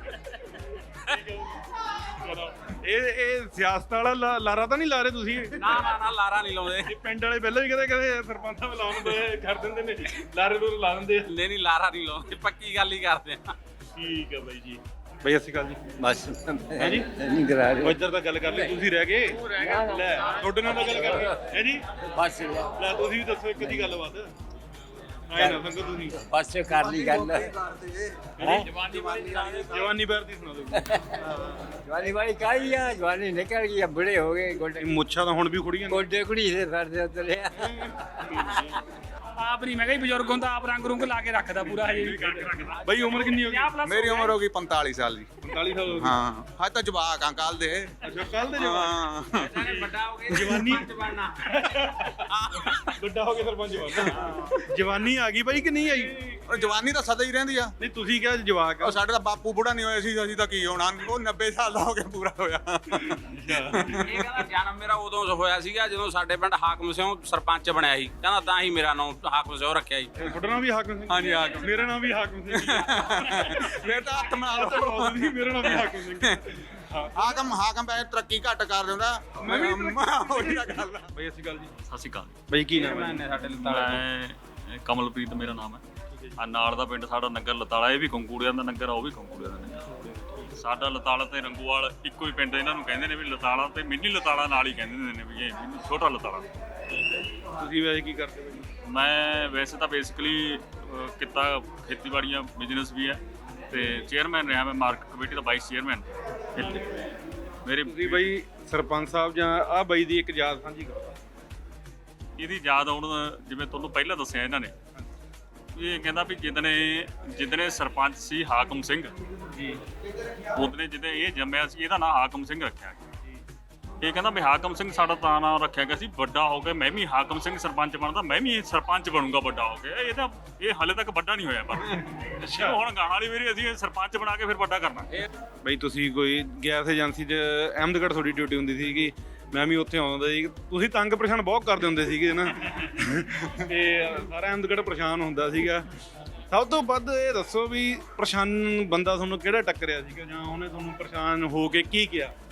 Speaker 4: ਚਲੋ ਇਹ ਇਹ ਸਿਆਸਤ ਵਾਲਾ ਲਾ- ਲਾਰਾ ਤਾਂ ਨਹੀਂ ਲਾ ਰਹੇ ਤੁਸੀਂ
Speaker 7: ਨਾ ਨਾ ਨਾ ਲਾਰਾ ਨਹੀਂ ਲਾਉਂਦੇ
Speaker 4: ਇਹ ਪਿੰਡ ਵਾਲੇ ਪਹਿਲਾਂ ਵੀ ਕਹਿੰਦੇ ਕਹਿੰਦੇ ਸਰਪੰਚ ਸਾਹਿਬ ਲਾਉਣ ਦੇ ਕਰ ਦਿੰਦੇ ਨੇ ਲਾਰੇ ਨੂੰ ਲਾ ਦਿੰਦੇ ਆ
Speaker 7: ਨਹੀਂ ਨਹੀਂ ਲਾਰਾ ਨਹੀਂ ਲਾਉਂਦੇ ਪੱਕੀ ਗੱਲ ਹੀ ਕਰਦੇ ਆ
Speaker 4: ਠੀਕ ਹੈ ਬਾਈ ਜੀ ਬਾਈ ਸਤਿ ਸ਼੍ਰੀ ਅਕਾਲ ਜੀ
Speaker 5: ਬਸ
Speaker 4: ਹੈ ਜੀ
Speaker 5: ਨਹੀਂ ਕਰਾ
Speaker 4: ਉਹ ਇੱਧਰ ਤਾਂ ਗੱਲ ਕਰ ਲਈ ਤੁਸੀਂ ਰਹਿ ਗਏ ਲੈ ਤੁਹਾਡੇ ਨਾਲ ਤਾਂ ਗੱਲ ਕਰ ਰਹੇ ਹੈ ਜੀ
Speaker 5: ਬਸ
Speaker 4: ਲੈ ਤੁਸੀਂ ਵੀ ਦੱਸੋ ਇੱਕ ਦੀ ਗੱਲਬਾਤ ਆਏ ਨਾ ਸੰਗੋ ਤੁਸੀਂ
Speaker 5: ਬਸ ਕਰ ਲਈ ਗੱਲ
Speaker 7: ਜਵਾਨੀ ਵਾਲੀ
Speaker 4: ਜਵਾਨੀ ਬਾਰ ਦੀ ਸੁਣਾ ਦਿਓ
Speaker 5: ਜਵਾਨੀ ਵਾਲੀ ਕਾਈ ਆ ਜਵਾਨੀ ਨਿਕਲ ਗਈ ਆ ਬੁੜੇ ਹੋ ਗਏ ਗੋਡੇ
Speaker 4: ਮੁੱਛਾਂ ਤਾਂ ਹੁਣ ਵੀ ਖੁੜੀਆਂ ਨੇ
Speaker 5: ਗੋਡੇ ਕੁੜੀ ਦੇ ਫਿਰਦੇ ਉਤਰੇ
Speaker 2: ਆਪ ਨਹੀਂ ਮੈਂ ਕਿਹਾ ਜੀ ਬਜ਼ੁਰਗ ਹੁੰਦਾ ਆਪ ਰੰਗ ਰੁੰਗ ਲਾ ਕੇ ਰੱਖਦਾ ਪੂਰਾ ਹਜੇ ਵੀ
Speaker 4: ਬਾਈ ਉਮਰ ਕਿੰਨੀ ਹੋ ਗਈ
Speaker 3: ਮੇਰੀ ਉਮਰ ਹੋ ਗਈ ਪੰਤਾਲੀ ਸਾਲ ਦੀ
Speaker 4: ਪੰਤਾਲੀ ਸਾਲ ਹੋ ਗਈ
Speaker 3: ਹਾਂ ਹਾਂ ਤਾਂ ਜਵਾਕ ਆ ਕੱਲ ਦੇ
Speaker 4: ਅੱਛਾ ਕੱਲ ਦੇ ਜਵਾਨ
Speaker 3: ਹਾਂ
Speaker 7: ਵੱਡਾ ਹੋ ਗਿਆ
Speaker 4: ਜਵਾਨੀ
Speaker 7: ਬਣਨਾ
Speaker 4: ਵੱਡਾ ਹੋ ਕੇ ਸਰਪੰਚ ਬਣਨਾ ਜਵਾਨੀ ਆ ਗਈ ਬਾਈ ਕਿ ਨਹੀਂ ਆਈ
Speaker 3: ਉਹ ਜਵਾਨੀ ਤਾਂ ਸਦਾ ਹੀ ਰਹਿੰਦੀ ਆ
Speaker 4: ਨਹੀਂ ਤੁਸੀਂ ਕਿਹਾ ਜਵਾਕ ਆ
Speaker 3: ਉਹ ਸਾਡੇ ਤਾਂ ਬਾਪੂ ਬੁੜਾ ਨਹੀਂ ਹੋਇਆ ਸੀ ਅਸੀਂ ਤਾਂ ਕੀ ਹੋਣਾ ਉਹ ਨੱਬੇ ਸਾਲ ਦਾ ਹੋ ਕੇ ਪੂਰਾ ਹੋਇਆ
Speaker 7: ਇਹ ਕਹਿੰਦਾ ਜਨਮ ਮੇਰਾ ਉਦੋਂ ਹੋਇਆ ਸੀਗਾ ਜਦੋਂ ਸਾਡੇ ਪਿੰਡ ਹਾਕਮ ਸਿੰਘ ਸਰਪੰਚ ਬਣਿਆ ਸੀ ਕਹਿੰਦਾ ਤਾਂ ਹੀ ਮੇਰਾ ਨਾਮ ਹਾਕਮ ਸਿੰਘ ਰੱਖਿਆ ਜੀ
Speaker 4: ਤੁਹਾਡਾ ਨਾਮ ਵੀ ਹਾਕਮ ਸਿੰਘ
Speaker 3: ਹਾਂਜੀ, ਹਾਕਮ।
Speaker 4: ਮੇਰਾ ਨਾਮ ਵੀ ਹਾਕਮ ਸਿੰਘ
Speaker 3: ਫੇਰ ਤਾਂ ਹੱਥ ਨਾਲ
Speaker 4: ਸੀ ਮੇਰਾ ਨਾਮ ਵੀ ਹਾਕਮ ਸਿੰਘ
Speaker 3: ਹਾਕਮ ਹਾਕਮ ਪੈ ਤਰੱਕੀ ਘੱਟ ਕਰ ਦਿੰਦਾ ਮੈਂ ਵੀ ਉਹੀ ਤਾਂ ਗੱਲ ਆ
Speaker 4: ਬਾਈ ਅਸੀਂ ਗੱਲ ਜੀ
Speaker 11: ਸਤਿ ਸ਼੍ਰੀ ਅਕਾਲ
Speaker 4: ਬਾਈ ਕੀ ਨਾਮ ਹੈ
Speaker 7: ਸਾਡੇ
Speaker 11: ਮੈਂ ਕਮਲਪ੍ਰੀਤ ਮੇਰਾ ਨਾਮ ਹੈ ਆ ਨਾਲ ਦਾ ਪਿੰਡ ਸਾਡਾ ਨਗਰ ਲਤਾਲਾ ਇਹ ਵੀ ਕੰਕੂੜਿਆਂ ਦਾ ਨਗਰ ਆ ਉਹ ਵੀ ਕੰਕੂੜਿਆਂ ਦਾ ਨਗਰ ਸਾਡਾ ਲਤਾਲਾ ਤੇ ਰੰਗੂਵਾਲ ਇੱਕੋ ਹੀ ਪਿੰਡ ਇਹਨਾਂ ਨੂੰ ਕਹਿੰਦੇ ਨੇ ਵੀ ਲਤਾਲਾ ਤੇ ਮਿੰਨੀ ਲਤਾਲਾ ਨਾਲ ਹੀ ਕਹਿੰਦੇ ਨੇ ਵੀ ਇਹ ਮਿੰਨੀ ਛੋਟਾ ਲਤਾਲਾ
Speaker 4: ਤੁਸੀਂ ਵੈਸੇ ਕੀ ਕਰਦੇ ਹੋ
Speaker 11: ਮੈਂ ਵੈਸੇ ਤਾਂ ਬੇਸਿਕਲੀ ਕਿੱਤਾ ਖੇਤੀਬਾੜੀਆਂ ਬਿਜ਼ਨਸ ਵੀ ਹੈ ਤੇ ਚੇਅਰਮੈਨ ਰਿਹਾ ਮੈਂ ਮਾਰਕੀਟ ਕਮੇਟੀ ਦਾ ਵਾਈਸ ਚੇਅਰਮੈਨ ਇੱਥੇ ਮੇਰੇ
Speaker 4: ਤੁਸੀਂ ਬਾਈ ਸਰਪੰਚ ਸਾਹਿਬ ਜਾਂ ਆ ਬਾਈ ਦੀ ਇੱਕ ਯਾਦ ਸਾਂਝੀ ਕਰੋ
Speaker 11: ਇਹਦੀ ਯਾਦ ਆਉਣ ਜਿਵੇਂ ਤੁਹਾਨੂੰ ਪਹਿਲਾਂ ਦੱਸਿਆ ਇਹਨਾਂ ਨੇ ਇਹ ਕਹਿੰਦਾ ਵੀ ਜਿੱਦਣੇ ਜਿੱਦਣੇ ਸਰਪੰਚ ਸੀ ਹਾਕਮ ਸਿੰਘ
Speaker 4: ਜੀ
Speaker 11: ਉਹਦਨੇ ਜਿੱਦੇ ਇਹ ਜੰਮਿਆ ਸੀ ਇਹਦਾ ਨਾਂ ਹਾਕਮ ਸਿੰਘ ਰੱਖਿਆ ਗਿਆ ਇਹ ਕਹਿੰਦਾ ਵੀ ਹਾਕਮ ਸਿੰਘ ਸਾਡਾ ਤਾਂ ਨਾਂ ਰੱਖਿਆ ਗਿਆ ਸੀ ਵੱਡਾ ਹੋ ਕੇ ਮੈਂ ਵੀ ਹਾਕਮ ਸਿੰਘ ਸਰਪੰਚ ਬਣਦਾ ਮੈਂ ਵੀ ਸਰਪੰਚ ਬਣੂੰਗਾ ਵੱਡਾ ਹੋ ਕੇ ਇਹ ਤਾਂ ਇਹ ਹਾਲੇ ਤੱਕ ਵੱਡਾ ਨਹੀਂ ਹੋਇਆ ਪਰ ਅੱਛਾ ਹੁਣ ਗਾਹਾਂ ਵਾਲੀ ਵਾਰੀ ਅਸੀਂ ਸਰਪੰਚ ਬਣਾ ਕੇ ਫਿਰ ਵੱਡਾ ਕਰਨਾ
Speaker 4: ਬਾਈ ਤੁਸੀਂ ਕੋਈ ਗੈਸ ਏਜੰਸੀ 'ਚ ਅਹਿਮਦਗੜ੍ਹ ਤੁਹਾਡੀ ਡਿਊਟੀ ਹੁੰਦੀ ਸੀਗੀ ਮੈਂ ਵੀ ਉੱਥੇ ਆਉਂਦਾ ਸੀ ਤੁਸੀਂ ਤੰਗ ਪਰੇਸ਼ਾਨ ਬਹੁਤ ਕਰਦੇ ਹੁੰਦੇ ਸੀਗੇ ਨਾ ਤੇ ਸਾਰਾ ਅਹਿਮਦਗੜ੍ਹ ਪਰੇਸ਼ਾਨ ਹੁੰਦਾ ਸੀਗਾ ਸਭ ਤੋਂ ਵੱਧ ਇਹ ਦੱਸੋ ਵੀ ਪਰੇਸ਼ਾਨ ਬੰਦਾ ਤੁਹਾਨੂੰ ਕਿਹੜਾ ਟੱਕਰਿਆ ਸੀਗਾ ਜਾਂ ਉਹਨੇ ਤੁਹਾਨੂੰ ਪਰੇਸ਼ਾਨ ਹੋ ਕੇ ਕੀ ਕਿਹਾ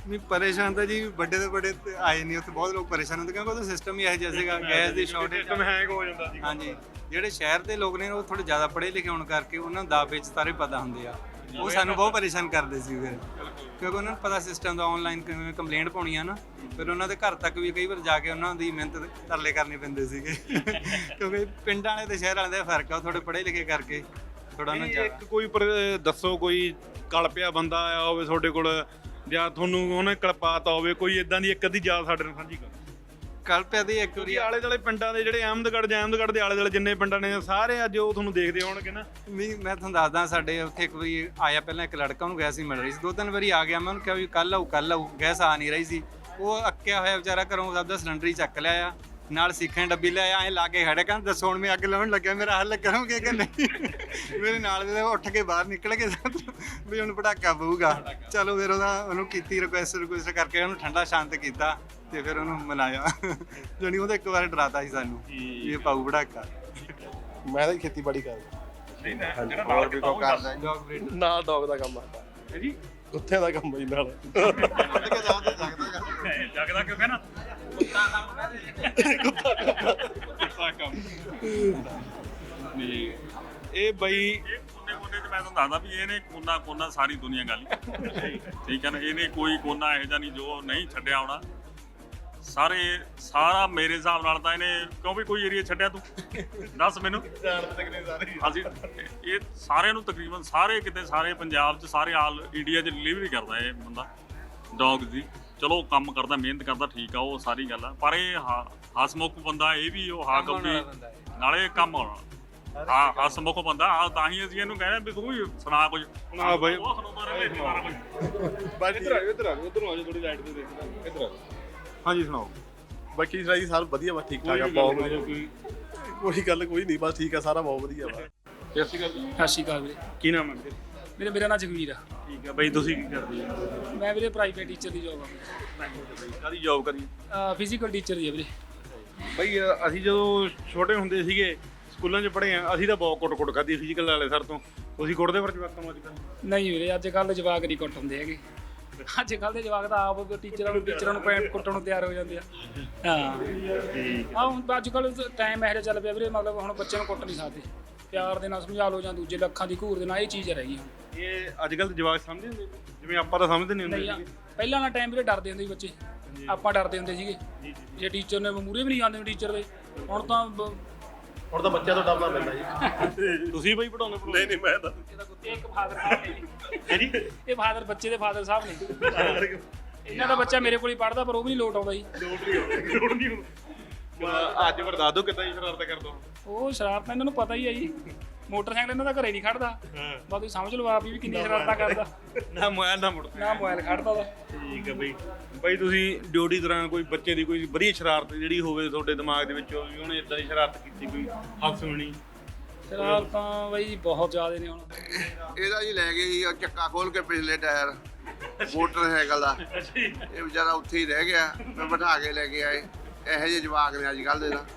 Speaker 1: ਨਹੀਂ ਪਰੇਸ਼ਾਨ ਤਾਂ ਜੀ ਵੱਡੇ ਤੋਂ ਵੱਡੇ ਤੇ ਆਏ ਨਹੀਂ, ਉੱਥੇ ਬਹੁਤ ਲੋਕ ਪਰੇਸ਼ਾਨ ਹੁੰਦੇ ਕਿਉਂਕਿ ਉਹਦਾ ਸਿਸਟਮ ਹੀ ਇਹੋ ਜਿਹਾ ਸੀਗਾ, ਗੈਸ ਦੀ ਸ਼ਾਰਟੇਜ
Speaker 4: ਸਿਸਟਮ ਹੈਂਗ ਹੋ ਜਾਂਦਾ ਸੀ।
Speaker 1: ਹਾਂਜੀ, ਜਿਹੜੇ ਸ਼ਹਿਰ ਦੇ ਲੋਕ ਨੇ ਉਹ ਥੋੜੇ ਜ਼ਿਆਦਾ ਪੜ੍ਹੇ ਲਿਖੇ ਹੋਣ ਕਰਕੇ ਉਹਨਾਂ ਨੂੰ ਦਾਅਵੇ 'ਚ ਸਾਰੇ ਪਤਾ ਹੁੰਦੇ ਆ, ਉਹ ਸਾਨੂੰ ਬਹੁਤ ਪਰੇਸ਼ਾਨ ਕਰਦੇ ਸੀ ਫਿਰ, ਕਿਉਂਕਿ ਉਹਨਾਂ ਨੂੰ ਪਤਾ ਸਿਸਟਮ ਦਾ ਆਨਲਾਈਨ ਕਿਵੇਂ ਕੰਪਲੇਂਟ ਪਾਉਣੀ ਆ ਨਾ, ਫਿਰ ਉਹਨਾਂ ਦੇ ਘਰ ਤੱਕ ਵੀ ਕਈ ਵਾਰ ਜਾ ਕੇ ਉਹਨਾਂ ਦੀ ਮਿਹਨਤ ਤਰਲੇ ਕਰਨੇ ਪੈਂਦੇ ਸੀਗੇ ਕਿਉਂਕਿ ਪਿੰਡਾਂ ਵਾਲੇ ਤੇ ਸ਼ਹਿਰ ਵਾਲਿਆਂ ਦਾ ਫਰਕ ਆ, ਉਹ ਥੋੜੇ ਪੜ੍ਹੇ ਲਿਖੇ ਕਰਕੇ ਥੋੜਾ ਨਾ ਜ਼ਿਆਦਾ।
Speaker 4: ਇੱਕ ਕੋਈ ਪਰ- ਦੱਸੋ ਕੋਈ ਕਲਪਿਆ ਬੰਦਾ ਆਇਆ ਹੋਵੇ ਤੁਹਾਡੇ ਕੋਲ ਜਾਂ ਤੁਹਾਨੂੰ ਉਹਨੇ ਕਲਪਾਤਾ ਹੋਵੇ, ਕੋਈ ਇਦਾਂ ਦੀ ਇੱਕ ਅੱਧੀ ਯਾਦ ਸਾਡੇ ਨਾਲ ਸਾਂਝੀ ਕਰੋ।
Speaker 1: ਕਲਪਿਆ ਦੀ ਇੱਕ ਵਾਰੀ
Speaker 4: ਕਿਉਂਕਿ ਆਲੇ ਦੁਆਲੇ ਪਿੰਡਾਂ ਦੇ ਜਿਹੜੇ ਅਹਿਮਦਗੜ੍ਹ ਜਾਂ ਅਹਿਮਦਗੜ੍ਹ ਦੇ ਆਲੇ ਦੁਆਲੇ ਜਿੰਨੇ ਪਿੰਡਾਂ ਨੇ ਸਾਰੇ ਅੱਜ ਉਹ ਤੁਹਾਨੂੰ ਦੇਖਦੇ ਹੋਣਗੇ ਨਾ।
Speaker 1: ਨਹੀਂ ਮੈਂ ਤੁਹਾਨੂੰ ਦੱਸਦਾ, ਸਾਡੇ ਉੱਥੇ ਇੱਕ ਵਾਰੀ ਆਇਆ ਪਹਿਲਾਂ ਇੱਕ ਲੜਕਾ, ਉਹਨੂੰ ਗੈਸ ਹੀ ਮਿਲ ਰਹੀ ਸੀ, ਦੋ ਤਿੰਨ ਵਾਰੀ ਆ ਗਿਆ, ਮੈਂ ਉਹਨੂੰ ਕਿਹਾ ਵੀ ਕੱਲ ਆਊ ਕੱਲ ਆਊ, ਗੈਸ ਆ ਨਹੀਂ ਰਹੀ ਸੀ, ਉਹ ਅੱਕਿਆ ਹੋਇਆ ਵਿਚਾਰਾ ਘਰੋਂ ਆਪਦਾ ਸਿਲੰਡਰ ਹੀ ਚੱਕ ਲਿਆ ਆ, ਨਾਲ ਸਿੱਖਾਂ ਦੀ ਡੱਬੀ ਲਿਆ ਐਂ ਲਾ ਕੇ ਖੜਿਆ, ਕਹਿੰਦਾ ਦੱਸੋ ਹੁਣ ਮੈਂ ਅੱਗ ਲਾਉਣ ਲੱਗਿਆ, ਮੇਰਾ ਹੱਲ ਕਰੋਗੇ ਕਿ ਨਹੀਂ ਮੇਰੇ ਨਾਲ ਦੇ ਉੱਠ ਕੇ ਬਾਹਰ ਨਿਕਲ ਗਏ ਵੀ ਹੁਣ ਪਟਾਕਾ ਪਊਗਾ। ਚਲੋ ਫਿਰ ਉਹਦਾ ਉਹਨੂੰ ਕੀਤੀ ਰਿਕੁਐਸਟ ਰਿਕੁਐਸਟ ਕਰਕੇ ਉਹਨੂੰ ਠੰਡਾ ਸ਼ਾਂਤ ਕੀਤਾ ਤੇ ਫਿਰ ਉਹਨੂੰ ਮਨਾਇਆ ਜਾਣੀ ਉਹਦਾ ਇੱਕ ਵਾਰ ਡਰਾਤਾ ਸੀ ਸਾਨੂੰ ਵੀ ਇਹ ਪਾਊ ਪਟਾਕਾ।
Speaker 10: ਮੈਂ ਤਾਂ ਖੇਤੀਬਾੜੀ ਕਰਦਾ,
Speaker 6: ਹੋਰ ਵੀ ਕੋਈ ਕਰਦਾ ਜੀ।
Speaker 1: ਡੌਗ ਬਰੀਡ
Speaker 10: ਨਾਲ ਡੌਗ ਦਾ ਕੰਮ ਆਦਾ
Speaker 4: ਹੈ ਜੀ,
Speaker 10: ਕੁੱਤੇ ਦਾ ਕੰਮ ਬਈ ਨਾਲ
Speaker 11: ਜਗਦਾ ਕਿਉਂ ਕਹਿਣਾ
Speaker 4: ਕੁੱਤਾ ਕੰਮ ਨਹੀਂ ਇਹ ਬਈ
Speaker 11: ਕੋਨੇ ਕੋਨੇ 'ਚ ਮੈਂ ਤੁਹਾਨੂੰ ਦੱਸਦਾ ਵੀ ਇਹਨੇ ਕੋਨਾ ਕੋਨਾ ਸਾਰੀ ਦੁਨੀਆ ਗੱਲ ਠੀਕ ਹੈ ਨਾ, ਇਹਨੇ ਕੋਈ ਕੋਨਾ ਇਹੋ ਜਿਹਾ ਨਹੀਂ ਜੋ ਨਹੀਂ ਛੱਡਿਆ ਹੋਣਾ, ਸਾਰੇ ਸਾਰਾ ਮੇਰੇ ਹਿਸਾਬ ਨਾਲ ਤਾਂ ਇਹਨੇ ਕਿਉਂ ਵੀ ਕੋਈ ਏਰੀਆ ਛੱਡਿਆ ਤੂੰ ਦੱਸ ਮੈਨੂੰ। ਅਸੀਂ ਇਹ ਸਾਰਿਆਂ ਨੂੰ ਤਕਰੀਬਨ ਸਾਰੇ ਕਿਤੇ ਸਾਰੇ ਪੰਜਾਬ 'ਚ ਸਾਰੇ ਆਲ ਇੰਡੀਆ 'ਚ ਡਿਲੀਵਰੀ ਕਰਦਾ ਇਹ ਬੰਦਾ ਡੌਗ ਦੀ। ਚਲੋ ਕੰਮ ਕਰਦਾ ਮਿਹਨਤ ਕਰਦਾ ਠੀਕ ਆ, ਉਹ ਸਾਰੀ ਗੱਲ ਆ, ਪਰ ਇਹ ਹਸਮੁਖ ਬੰਦਾ, ਇਹ ਵੀ ਉਹ ਹਾਕਮ ਵੀ ਨਾਲੇ ਕੰਮ ਆਉਣਾ ਹਾਂ ਹਸਮੁਖ ਬੰਦਾ ਆ, ਤਾਂ ਹੀ ਅਸੀਂ ਇਹਨੂੰ ਕਹਿੰਦੇ ਵੀ ਤੂੰ ਵੀ ਸੁਣਾ ਕੁਝ।
Speaker 4: ਹਾਂ ਬਾਈ
Speaker 11: ਉਹ ਸੁਣਾਉਂਦਾ ਰਹੇ ਸਾਰਾ ਕੁਝ।
Speaker 4: ਬਾਈ ਇੱਧਰ ਆ ਇੱਧਰ ਆ ਇੱਧਰ ਆ ਥੋੜੀ ਲਾਈਟ ਤੇ ਦੇਖ ਇੱਧਰ ਆ। ਹਾਂਜੀ ਸੁਣਾਓ।
Speaker 10: ਬਾਕੀ ਸਾਰੀ ਸਾਲ ਵਧੀਆ ਵਾ, ਠੀਕ ਠਾਕ ਆ, ਬਹੁਤ ਵਧੀਆ, ਕੋਈ ਗੱਲ ਕੋਈ ਨਹੀਂ, ਬਸ ਠੀਕ ਆ, ਸਾਰਾ ਬਹੁਤ ਵਧੀਆ ਵਾ।
Speaker 4: ਸਤਿ ਸ਼੍ਰੀ ਅਕਾਲ
Speaker 2: ਸਤਿ ਸ਼੍ਰੀ ਅਕਾਲ ਵੀਰੇ।
Speaker 4: ਕੀ ਨਾਮ ਹੈ?
Speaker 2: ਵੀਰੇ ਮੇਰਾ ਨਾਮ ਜਗਵੀਰ ਆ।
Speaker 4: ਠੀਕ ਹੈ ਬਾਈ, ਤੁਸੀਂ ਕੀ ਕਰਦੇ ਹੋ?
Speaker 2: ਮੈਂ ਵੀਰੇ ਪ੍ਰਾਈਵੇਟ ਟੀਚਰ ਦੀ ਜੋਬ ਆ।
Speaker 4: ਕਾਹਦੀ ਜੌਬ ਕਰੀ?
Speaker 2: ਫਿਜ਼ੀਕਲ ਟੀਚਰ ਦੀ ਆ ਵੀਰੇ।
Speaker 4: ਬਾਈ ਅਸੀਂ ਜਦੋਂ ਛੋਟੇ ਹੁੰਦੇ ਸੀਗੇ ਸਕੂਲਾਂ 'ਚ ਪੜ੍ਹੇ ਆ, ਅਸੀਂ ਤਾਂ ਬਹੁਤ ਕੁੱਟ-ਕੁੱਟ ਖਾਧੀ ਫਿਜ਼ੀਕਲ ਵਾਲੇ ਸਰ ਤੋਂ। ਤੁਸੀਂ ਕੁੱਟਦੇ ਫਿਰ ਜਵਾਕਾਂ ਨੂੰ ਅੱਜ ਕੱਲ੍ਹ?
Speaker 2: ਨਹੀਂ ਵੀਰੇ, ਅੱਜ ਕੱਲ੍ਹ ਜਵਾਕ ਨਹੀਂ ਕੁੱਟ ਹੁੰਦੇ ਹੈਗੇ, ਅੱਜ ਕੱਲ੍ਹ ਦੇ ਜਵਾਕ ਤਾਂ ਆਪ ਟੀਚਰਾਂ ਨੂੰ ਟੀਚਰਾਂ ਨੂੰ ਪੈਂਟ ਕੁੱਟਣ ਨੂੰ ਤਿਆਰ ਹੋ ਜਾਂਦੇ ਆ। ਹਾਂ ਆ ਹੁਣ ਅੱਜ ਕੱਲ੍ਹ ਟਾਈਮ ਇਹੋ ਜਿਹਾ ਚੱਲ ਪਿਆ ਵੀਰੇ, ਮਤਲਬ ਹੁਣ ਬੱਚਿਆਂ ਨੂੰ ਕੁੱਟ ਨਹੀਂ ਸਕਦੇ, ਪਿਆਰ ਦੇ ਨਾਲ ਸਮਝਾ ਲਓ ਜਾਂ ਦੂਜੇ ਲੱਖਾਂ ਦੀ ਘੂਰ ਦੇ ਨਾਲ, ਇਹ ਚੀਜ਼ ਰਹਿ ਗਈ ਹੁਣ।
Speaker 4: ਇਹ ਅੱਜ ਕੱਲ੍ਹ ਦੇ ਜਵਾਕ ਸਮਝਦੇ ਹੁੰਦੇ ਜਿਵੇਂ ਆਪਾਂ ਤਾਂ ਸਮਝਦੇ ਨਹੀਂ ਹੁੰਦੇ
Speaker 2: ਨਹੀਂ ਆ,
Speaker 4: ਸੀਗੇ।
Speaker 2: ਪਹਿਲਾਂ ਵਾਲਾ ਟਾਈਮ ਵੀਰੇ ਡਰਦੇ ਹੁੰਦੇ ਸੀ ਬੱਚੇ, ਆਪਾਂ ਡਰਦੇ ਹੁੰਦੇ ਸੀਗੇ ਜੇ ਟੀਚਰ ਨੇ ਮੂਹਰੇ ਵੀ ਨਹੀਂ ਆਉਂਦੇ ਟੀਚਰ ਦੇ। ਹੁਣ ਤਾਂ ਬ-
Speaker 10: ਹੁਣ ਤਾਂ ਬੱਚਿਆਂ ਤੋਂ ਡਰਨਾ ਪੈਂਦਾ ਜੀ।
Speaker 4: ਤੁਸੀਂ ਬਾਈ ਪੜਾਉਂਦੇ?
Speaker 10: ਨਹੀਂ ਨਹੀਂ ਮੈਂ ਤਾਂ
Speaker 2: ਇਹ ਇੱਕ ਫਾਦਰ ਸਾਹਿਬ ਨੇ ਜੀ, ਇਹ ਫਾਦਰ ਬੱਚੇ ਦੇ ਫਾਦਰ ਸਾਹਿਬ ਨੇ। ਇਹਨਾਂ ਦਾ ਬੱਚਾ ਮੇਰੇ ਕੋਲ ਹੀ ਪੜਦਾ, ਪਰ ਉਹ ਵੀ ਨਹੀਂ ਲੋਟ ਆਉਂਦਾ ਜੀ।
Speaker 4: ਲੋੜ ਨਹੀਂ ਹੁਣ ਅੱਜ ਫਿਰ ਦੱਸ ਦਿਓ ਕਿੱਦਾਂ ਦੀ ਸ਼ਰਾਰਤ ਕਰਦਾ?
Speaker 2: ਉਹ ਸ਼ਰਾਰਤਾਂ ਇਹਨਾਂ ਨੂੰ ਪਤਾ ਹੀ ਹੈ ਜੀ, ਮੋਟਰਸਾਈਕਲ ਇਹਨਾਂ ਦਾ ਘਰੇ ਨਹੀਂ ਖੜਦਾ, ਬਸ ਤੁਸੀਂ ਸਮਝ ਲਓ ਆਪ ਹੀ ਵੀ ਕਿੰਨੀ ਸ਼ਰਾਰਤਾਂ ਕਰਦਾ,
Speaker 4: ਨਾ ਮੋਬਾਈਲ ਨਾ ਮੁੜ
Speaker 2: ਨਾ ਮੋਬਾਈਲ ਖੜਦਾ ਉਹਦਾ।
Speaker 4: ਠੀਕ ਹੈ ਬਾਈ। ਬਾਈ ਤੁਸੀਂ ਡਿਊਟੀ ਦੌਰਾਨ ਕੋਈ ਬੱਚੇ ਦੀ ਕੋਈ ਵਧੀਆ ਸ਼ਰਾਰਤ ਜਿਹੜੀ ਹੋਵੇ ਤੁਹਾਡੇ ਦਿਮਾਗ ਦੇ ਵਿੱਚ ਵੀ ਉਹਨੇ ਇਦਾਂ ਦੀ ਸ਼ਰਾਰਤ ਕੀਤੀ, ਕੋਈ ਹੱਥ ਸੁਣੀ?
Speaker 2: ਸ਼ਰਾਰਤਾਂ ਬਾਈ ਬਹੁਤ ਜ਼ਿਆਦਾ ਨੇ ਹੁਣ।
Speaker 6: ਇਹਦਾ ਜੀ ਲੈ ਗਏ ਸੀ ਉਹ ਚੱਕਾ ਖੋਲ ਕੇ ਪਿਛਲੇ ਟਾਇਰ ਮੋਟਰਸਾਈਕਲ ਦਾ, ਇਹ ਵਿਚਾਰਾ ਉੱਥੇ ਹੀ ਰਹਿ ਗਿਆ, ਮੈਂ ਬਿਠਾ ਕੇ ਲੈ ਕੇ ਆਏ। ਇਹੋ ਜਿਹੇ ਜਵਾਕ ਨੇ ਅੱਜ ਕੱਲ੍ਹ ਦੇ ਤਾਂ।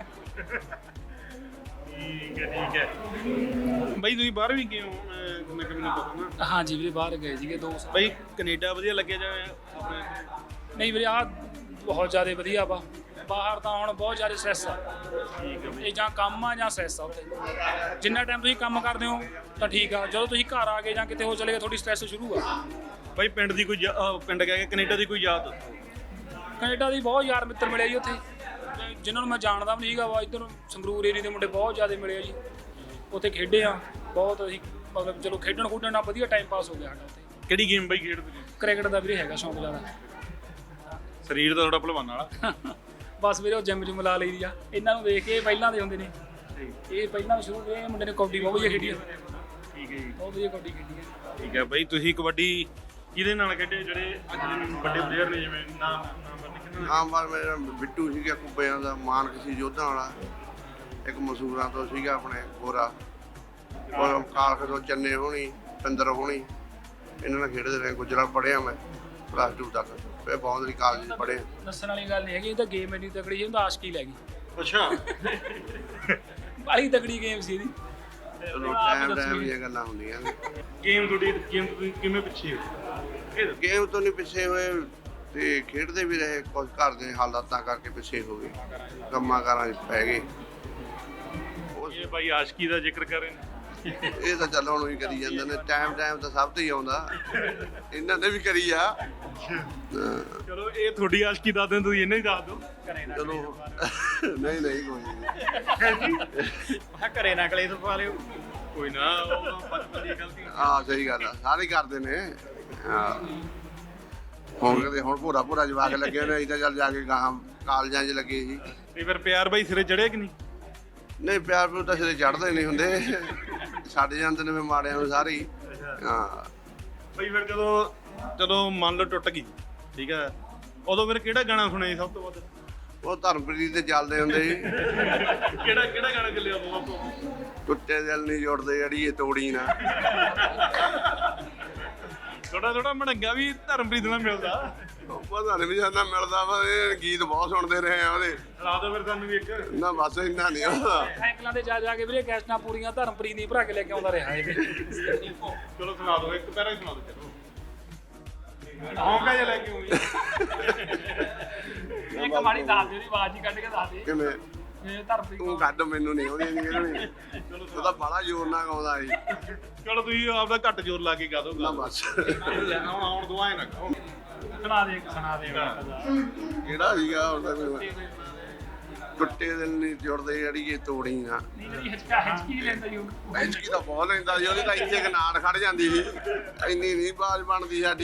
Speaker 4: ਠੀਕ ਹੈ ਠੀਕ ਹੈ। ਬਾਈ ਤੁਸੀਂ ਬਾਹਰ ਵੀ ਗਏ ਹੋ ਮੈਂ ਕਿਵੇਂ ਨਹੀਂ ਪਤਾ ਨਾ?
Speaker 2: ਹਾਂਜੀ ਵੀਰੇ ਬਾਹਰ ਗਏ ਸੀਗੇ ਦੋ ਸਾਲ।
Speaker 4: ਬਾਈ ਕੈਨੇਡਾ ਵਧੀਆ ਲੱਗਿਆ ਜਾਂ ਆਪਣੇ?
Speaker 2: ਨਹੀਂ ਵੀਰੇ ਆਹ ਬਹੁਤ ਜ਼ਿਆਦਾ ਵਧੀਆ ਵਾ, ਬਾਹਰ ਤਾਂ ਹੁਣ ਬਹੁਤ ਜ਼ਿਆਦਾ ਸਟ੍ਰੈਸ ਆ, ਇਹ ਜਾਂ ਕੰਮ ਆ ਜਾਂ ਸਟ੍ਰੈਸ ਆ ਉੱਥੇ। ਜਿੰਨਾ ਟਾਈਮ ਤੁਸੀਂ ਕੰਮ ਕਰਦੇ ਹੋ ਤਾਂ ਠੀਕ ਆ, ਜਦੋਂ ਤੁਸੀਂ ਘਰ ਆ ਗਏ ਜਾਂ ਕਿਤੇ ਹੋ ਚਲੇ ਗਏ ਤੁਹਾਡੀ ਸਟ੍ਰੈਸ ਸ਼ੁਰੂ ਆ।
Speaker 4: ਬਾਈ ਪਿੰਡ ਦੀ ਕੋਈ ਯਾ- ਅਹ ਪਿੰਡ ਕਹਿ ਕੇ ਕੈਨੇਡਾ ਦੀ ਕੋਈ ਯਾਦ?
Speaker 2: ਕੈਨੇਡਾ ਦੀ ਬਹੁਤ ਯਾਰ ਮਿੱਤਰ ਮਿਲੇ ਜੀ ਉੱਥੇ, ਜਿਨ੍ਹਾਂ ਨੂੰ ਮੈਂ ਜਾਣਦਾ ਵੀ ਨਹੀਂ ਸੀਗਾ, ਵਾ ਇੱਧਰ ਸੰਗਰੂਰ ਏਰੀਏ ਦੇ ਮੁੰਡੇ ਬਹੁਤ ਜ਼ਿਆਦਾ ਮਿਲੇ ਆ ਜੀ, ਉੱਥੇ ਖੇਡੇ ਆ ਬਹੁਤ ਅਸੀਂ, ਮਤਲਬ ਚਲੋ ਖੇਡਣ ਖੁੱਡਣ ਨਾਲ ਵਧੀਆ ਟਾਈਮ ਪਾਸ ਹੋ ਗਿਆ ਸਾਡਾ ਉੱਥੇ।
Speaker 4: ਕਿਹੜੀ ਗੇਮ ਬਾਈ ਖੇਡਦੇ ਜੀ?
Speaker 2: ਕ੍ਰਿਕਟ ਦਾ ਵੀਰੇ ਹੈਗਾ ਸ਼ੌਂਕ ਜ਼ਿਆਦਾ।
Speaker 4: ਸਰੀਰ ਤਾਂ ਤੁਹਾਡਾ ਭਲਵਾਨ ਵਾਲਾ।
Speaker 2: ਬਸ ਵੀਰੇ ਉਹ ਜਿੰਮ ਜਿਮ ਲਾ ਲਈ ਦੀ ਆ, ਇਹਨਾਂ ਨੂੰ ਦੇਖ ਕੇ ਇਹ ਪਹਿਲਾਂ ਦੇ ਹੁੰਦੇ ਨੇ, ਇਹ ਪਹਿਲਾਂ ਵੀ ਸ਼ੁਰੂ ਇਹ ਮੁੰਡੇ ਨੇ ਕਬੱਡੀ ਬਹੁਤ ਵਧੀਆ ਖੇਡੀ ਆ।
Speaker 4: ਠੀਕ ਹੈ ਜੀ,
Speaker 2: ਬਹੁਤ ਵਧੀਆ ਕਬੱਡੀ ਖੇਡੀ ਆ।
Speaker 4: ਠੀਕ ਹੈ ਬਾਈ। ਤੁਸੀਂ ਕਬੱਡੀ ਕਿਹਦੇ ਨਾਲ ਖੇਡੇ ਜਿਹੜੇ ਅੱਜ ਦੇ ਵੱਡੇ ਪਲੇਅਰ ਨੇ, ਜਿਵੇਂ ਨਾਮ ਨਾਮ ਕਿਹਨਾਂ?
Speaker 6: ਆਮ ਵਾਰ ਮੇਰਾ ਬਿੱਟੂ ਸੀਗਾ ਕੁੱਬਿਆਂ ਦਾ, ਮਾਨਕ ਸੀ ਯੋਧਾ ਵਾਲਾ, ਇੱਕ ਮਸੂਰਾਂ ਤੋਂ ਸੀਗਾ ਆਪਣੇ ਗੋਰਾ, ਔਰ ਕਾਲਖ ਤੋਂ ਚੰਨੇ ਹੋਣੀ, ਪਿੰਦਰ ਹੋਣੀ, ਇਹਨਾਂ ਨਾਲ ਖੇਡਦੇ ਰਹੇ। ਗੁਜਰਾਤ ਪੜ੍ਹਿਆ ਮੈਂ ਪਲੱਸ ਟੂ ਤੱਕ, ਫਿਰ ਬਾਉਂਦਰੀ ਕਾਲਜ 'ਚ ਪੜ੍ਹੇ।
Speaker 2: ਦੱਸਣ ਵਾਲੀ ਗੱਲ ਨਹੀਂ ਹੈਗੀ, ਇਹ ਤਾਂ ਗੇਮ ਇੰਨੀ ਤਕੜੀ ਸੀ, ਉਹਦਾ ਆਸ਼ਕੀ ਲੈ ਗਈ।
Speaker 4: ਅੱਛਾ
Speaker 2: ਬੜੀ ਤਕੜੀ ਗੇਮ ਸੀ ਇਹਦੀ।
Speaker 6: ਚਲੋ ਟਾਈਮ ਟਾਈਮ ਦੀਆਂ ਗੱਲਾਂ ਹੁੰਦੀਆਂ ਨੇ।
Speaker 4: ਗੇਮ ਤੁਹਾਡੀ ਗੇਮ ਤੁਸੀਂ ਕਿਵੇਂ ਪਿੱਛੇ ਹੋ?
Speaker 6: ਗੇਮ ਤੋਂ ਨਹੀਂ ਪਿੱਛੇ ਹੋਏ, ਤੇ ਖੇਡਦੇ ਵੀ ਰਹੇ, ਕੁਝ ਘਰ ਦੇ ਹਾਲਾਤਾਂ ਕਰਕੇ ਪਿੱਛੇ ਹੋ ਗਏ, ਕੰਮਾਂ ਕਾਰਾਂ 'ਚ ਪੈ ਗਏ।
Speaker 4: ਇਹ ਬਾਈ ਆਸ਼ਕੀ ਦਾ ਜ਼ਿਕਰ ਕਰ ਰਹੇ ਨੇ।
Speaker 6: ਇਹ ਤਾਂ ਚੱਲ ਹੁਣ ਵੀ ਕਰੀ ਜਾਂਦੇ ਨੇ, ਟਾਈਮ ਟਾਈਮ ਤਾਂ ਸਭ ਤੇ ਹੀ ਆਉਂਦਾ, ਇਹਨਾਂ ਨੇ ਵੀ ਕਰੀ ਆ।
Speaker 4: ਚਲੋ ਇਹ ਤੁਹਾਡੀ ਆਸ਼ਕੀ ਦੱਸ ਦਿਓ, ਤੁਸੀਂ ਇਹਨੇ ਹੀ ਦੱਸ ਦਿਓ।
Speaker 6: ਚਲੋ ਨਹੀਂ ਨਹੀਂ ਕੋਈ ਨਹੀਂ,
Speaker 2: ਘਰੇ ਨਾ ਕਲੇਸ਼ ਪਾ ਲਿਓ।
Speaker 4: ਕੋਈ ਨਾ, ਉਹ ਬਚਪਨ ਦੀ ਗਲਤੀ।
Speaker 6: ਹਾਂ ਸਹੀ ਗੱਲ ਆ, ਸਾਰੇ ਕਰਦੇ ਨੇ। ਹਾਂ ਹੁਣ ਕਦੇ ਹੁਣ ਭੋਰਾ ਭੋਰਾ ਜਵਾਕ ਲੱਗੇ ਨੇ, ਅਸੀਂ ਤਾਂ ਚੱਲ ਜਾ ਕੇ ਗਾਹਾਂ ਕਾਲਜਾਂ 'ਚ ਲੱਗੇ ਸੀ।
Speaker 4: ਤੇ ਫਿਰ ਪਿਆਰ ਬਾਈ ਸਿਰੇ ਚੜਿਆ ਕਿ ਨਹੀਂ?
Speaker 6: ਨਹੀਂ ਪਿਆਰ ਪਿਓ ਤਾਂ ਸਿਰੇ ਚੜ੍ਹਦੇ ਨਹੀਂ ਹੁੰਦੇ, ਛੱਡ ਜਾਂਦੇ ਨੇ ਮਾੜਿਆਂ ਨੂੰ ਸਾਰੇ ਹੀ। ਹਾਂ
Speaker 4: ਬਈ ਫਿਰ ਜਦੋਂ ਜਦੋਂ ਮੰਨ ਲਓ ਟੁੱਟ ਗਈ, ਠੀਕ ਹੈ, ਉਦੋਂ ਫਿਰ ਕਿਹੜਾ ਗਾਣਾ ਸੁਣਿਆ ਸੀ ਸਭ ਤੋਂ ਵੱਧ?
Speaker 6: ਉਹ ਧਰਮਪ੍ਰੀਤ ਦੇ ਚੱਲਦੇ ਹੁੰਦੇ ਸੀ।
Speaker 4: ਕਿਹੜਾ ਕਿਹੜਾ ਗਾਣਾ ਚੱਲਿਆ ਉਦੋਂ ਸਭ ਤੋਂ?
Speaker 6: ਟੁੱਟੇ ਦਿਲ ਨਹੀਂ ਜੁੜਦੇ ਅੜੀਏ ਤੋੜੀ ਨਾ।
Speaker 4: ਥੋੜਾ ਥੋੜਾ ਮੜੰਗਾ ਵੀ ਧਰਮਪ੍ਰੀਤ ਨਾਲ ਮਿਲਦਾ।
Speaker 6: ਪਤਾ ਨਹੀਂ ਵੀ ਜਾਂਦਾ ਮਿਲਦਾ ਵਾ, ਇਹ ਗੀਤ ਬਹੁਤ ਸੁਣਦੇ ਰਹੇ ਆ ਉਹਦੇ।
Speaker 4: ਸੁਣਾ ਦਿਓ ਫਿਰ ਸਾਨੂੰ ਵੀ ਇੱਕ।
Speaker 6: ਨਾ ਬਸ ਇੰਨਾ ਨਹੀਂ ਉਹਦਾ।
Speaker 2: ਸਾਈਕਲਾਂ ਤੇ ਜਾ ਜਾ ਕੇ ਵੀਰੇ ਕੈਸਟਾਂ ਪੂਰੀਆਂ ਧਰਮਪ੍ਰੀਤ ਦੀ ਭਰਾ ਕੇ ਲੈ ਕੇ ਆਉਂਦਾ ਰਿਹਾ ਇਹ।
Speaker 4: ਚਲੋ ਸੁਣਾ ਦਿਓ, ਇੱਕ ਪੈਰਾ ਹੀ ਸੁਣਾ ਦਿਓ। ਚਲੋ ਹੌਂਕਾ ਜਿਹਾ ਲੈ ਕੇ ਆਉਂਦੀ।
Speaker 2: ਇੱਕ ਮਾੜੀ ਦੱਸ ਦੇ, ਉਹਦੀ ਆਵਾਜ਼ ਹੀ ਕੱਢ ਕੇ ਦੱਸ ਦੇ।
Speaker 6: ਕਿਵੇਂ?
Speaker 2: ਇਹ ਧਰਮਪ੍ਰੀਤ
Speaker 6: ਤੂੰ ਕੱਢ, ਮੈਨੂੰ ਨਹੀਂ ਆਉਂਦੀ ਨਹੀਂ ਕਿਹੜੀ। ਉਹ ਤਾਂ ਬੜਾ ਜ਼ੋਰ ਨਾਲ ਗਾਉਂਦਾ ਸੀ।
Speaker 4: ਚਲੋ ਤੁਸੀਂ ਆਪਦਾ ਘੱਟ ਜ਼ੋਰ ਲਾ ਕੇ ਗਾ ਦਿਓ।
Speaker 6: ਨਾ ਬਸ
Speaker 4: ਹੁਣ ਆਉਣ ਦੁਆਏ ਨਾ ਕਹੋ।
Speaker 2: ਸੁਣਾ ਦੇ, ਸੁਣਾ ਦੇ।
Speaker 6: ਕਿਹੜਾ ਸੀਗਾ ਉਹਦਾ ਕੋਈ? ਟੁੱਟੇ ਦਿਲ ਨਹੀਂ ਜੁੜਦੇ ਅੜੀਏ ਤੋੜੀ ਨਾ।
Speaker 2: ਨਹੀਂ ਜਿਹੜੀ ਹਿਚਕਾ ਹਿਚਕੀ ਲੈਂਦਾ ਜੀ ਉਹ।
Speaker 6: ਐਚਕੀ ਤਾਂ ਬਹੁਤ ਲੈਂਦਾ ਸੀ, ਉਹਦੀ ਤਾਂ ਇੱਥੇ ਇੱਕ ਨਾੜ ਖੜ ਜਾਂਦੀ ਸੀ, ਇੰਨੀ ਨਹੀਂ ਬਾਜ਼ ਬਣਦੀ ਸਾਡੀ।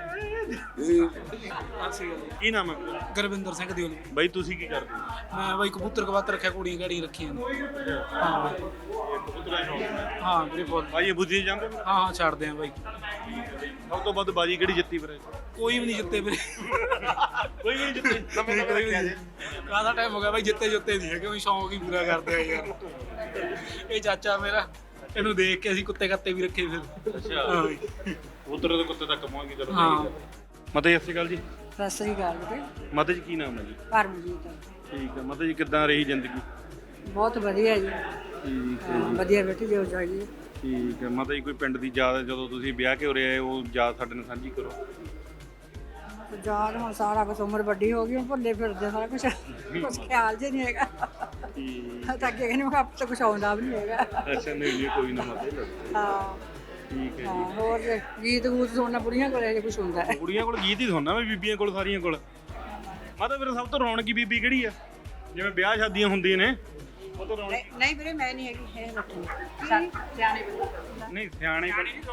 Speaker 4: ਕੀ ਨਾਮ ਹੈ?
Speaker 2: ਗੁਰਵਿੰਦਰ ਸਿੰਘ ਦਿਓਲ।
Speaker 4: ਬਾਈ ਤੁਸੀਂ ਕੀ ਕਰਦੇ ਹੋ?
Speaker 2: ਮੈਂ ਬਾਈ ਕਬੂਤਰ ਕਬੂਤਰ ਰੱਖਿਆ, ਕੁੜੀਆਂ ਗਾੜੀਆਂ ਰੱਖੀਆਂ ਨੇ। ਹਾਂ ਬਾਈ। ਹਾਂ ਵੀਰੇ ਬਹੁਤ।
Speaker 4: ਬਾਈ ਇਹ ਬੁੱਝੀ ਜਾਂਦੇ?
Speaker 2: ਹਾਂ ਹਾਂ ਛੱਡਦੇ ਆ ਬਾਈ।
Speaker 4: ਸਭ ਤੋਂ ਵੱਧ ਬਾਜੀ ਕਿਹੜੀ ਜਿੱਤੀ ਫਿਰ?
Speaker 2: ਕੋਈ ਵੀ ਨਹੀਂ ਜਿੱਤੇ ਵੀਰੇ।
Speaker 4: ਕੋਈ ਵੀ ਨਹੀਂ ਜਿੱਤੇ?
Speaker 2: ਕਾਹਦਾ ਟਾਈਮ ਹੋ ਗਿਆ ਬਾਈ, ਜਿੱਤੇ ਜੁੱਤੇ ਨਹੀਂ ਹੈਗੇ, ਉਹ ਸ਼ੌਂਕ ਹੀ ਪੂਰਾ ਕਰਦੇ ਆ ਯਾਰ। ਇਹ ਚਾਚਾ ਮੇਰਾ, ਇਹਨੂੰ ਦੇਖ ਕੇ ਅਸੀਂ ਕੁੱਤੇ ਕੱਤੇ ਵੀ ਰੱਖੇ ਫਿਰ।
Speaker 4: ਅੱਛਾ, ਉਧਰ ਦੇ ਕੁੱਤੇ ਤੱਕ ਪਹੁੰਚ ਗਏ। ਚਲੋ
Speaker 2: ਹਾਂ।
Speaker 4: ਮਾਤਾ ਜੀ ਸਤਿ ਸ਼੍ਰੀ ਅਕਾਲ ਜੀ।
Speaker 12: ਸਤਿ ਸ੍ਰੀ ਅਕਾਲ ਬੇਟੇ।
Speaker 4: ਮਾਤਾ ਜੀ ਕੀ ਨਾਮ ਹੈ ਜੀ?
Speaker 12: ਪਰਮਜੀਤ।
Speaker 4: ਠੀਕ ਹੈ ਮਾਤਾ ਜੀ, ਕਿੱਦਾਂ ਰਹੀ ਜ਼ਿੰਦਗੀ?
Speaker 12: ਬਹੁਤ ਵਧੀਆ ਜੀ।
Speaker 4: ਠੀਕ ਹੈ
Speaker 12: ਹਾਂ, ਵਧੀਆ ਬੇਟੇ, ਜੋ ਚਾਹੀਏ।
Speaker 4: ਠੀਕ ਹੈ ਮਾਤਾ ਜੀ, ਕੋਈ ਪਿੰਡ ਦੀ ਯਾਦ ਜਦੋਂ ਤੁਸੀਂ ਵਿਆਹ ਕੇ ਉਰੇ ਆਏ, ਉਹ ਯਾਦ ਸਾਡੇ ਨਾਲ ਸਾਂਝੀ ਕਰੋ।
Speaker 12: ਯਾਦ ਹੁਣ ਸਾਰਾ ਕੁਝ, ਉਮਰ ਵੱਡੀ ਹੋ ਗਈ, ਹੁਣ ਭੁੱਲੇ ਫਿਰਦੇ ਸਾਰਾ ਕੁਝ, ਕੁਝ ਖਿਆਲ ਜਿਹਾ ਨਹੀਂ ਹੈਗਾ।
Speaker 4: ਠੀਕ।
Speaker 12: ਤਾਂ ਅੱਗੇ ਕਹਿੰਦੇ ਮੈਂ ਆਪ ਤਾਂ ਕੁਝ ਆਉਂਦਾ ਵੀ ਨਹੀਂ ਹੈਗਾ।
Speaker 4: ਅੱਛਾ ਨਹੀਂ ਜੀ, ਕੋਈ ਨਾ ਮਾਤਾ ਜੀ।
Speaker 12: ਹਾਂ
Speaker 4: ਠੀਕ ਹੈ
Speaker 12: ਹਾਂ, ਹੋਰ ਗੀਤ ਗੂਤ ਸੁਣਨਾ ਬੁੜੀਆਂ ਕੋਲ ਇਹ ਕੁਝ ਹੁੰਦਾ ਹੈ।
Speaker 4: ਕੁੜੀਆਂ ਕੋਲ ਗੀਤ ਹੀ ਸੁਣਨਾ, ਮੈਂ ਬੀਬੀਆਂ ਕੋਲ ਸਾਰੀਆਂ ਕੋਲ। ਮਾਤਾ ਫਿਰ ਸਭ ਤੋਂ ਰੌਣਕੀ ਬੀਬੀ ਕਿਹੜੀ ਆ? ਜਿਵੇਂ ਵਿਆਹ ਸ਼ਾਦੀਆਂ ਹੁੰਦੀਆਂ ਨੇ ਉਹ ਤੋਂ ਰੌਣਕ।
Speaker 12: ਨਹੀਂ ਵੀਰੇ ਮੈਂ ਨਹੀਂ ਹੈਗੀ, ਇਹ ਬੱਠੀ ਸਿਆਣੇ ਬੰਦੇ।
Speaker 4: ਨਹੀਂ ਸਿਆਣੇ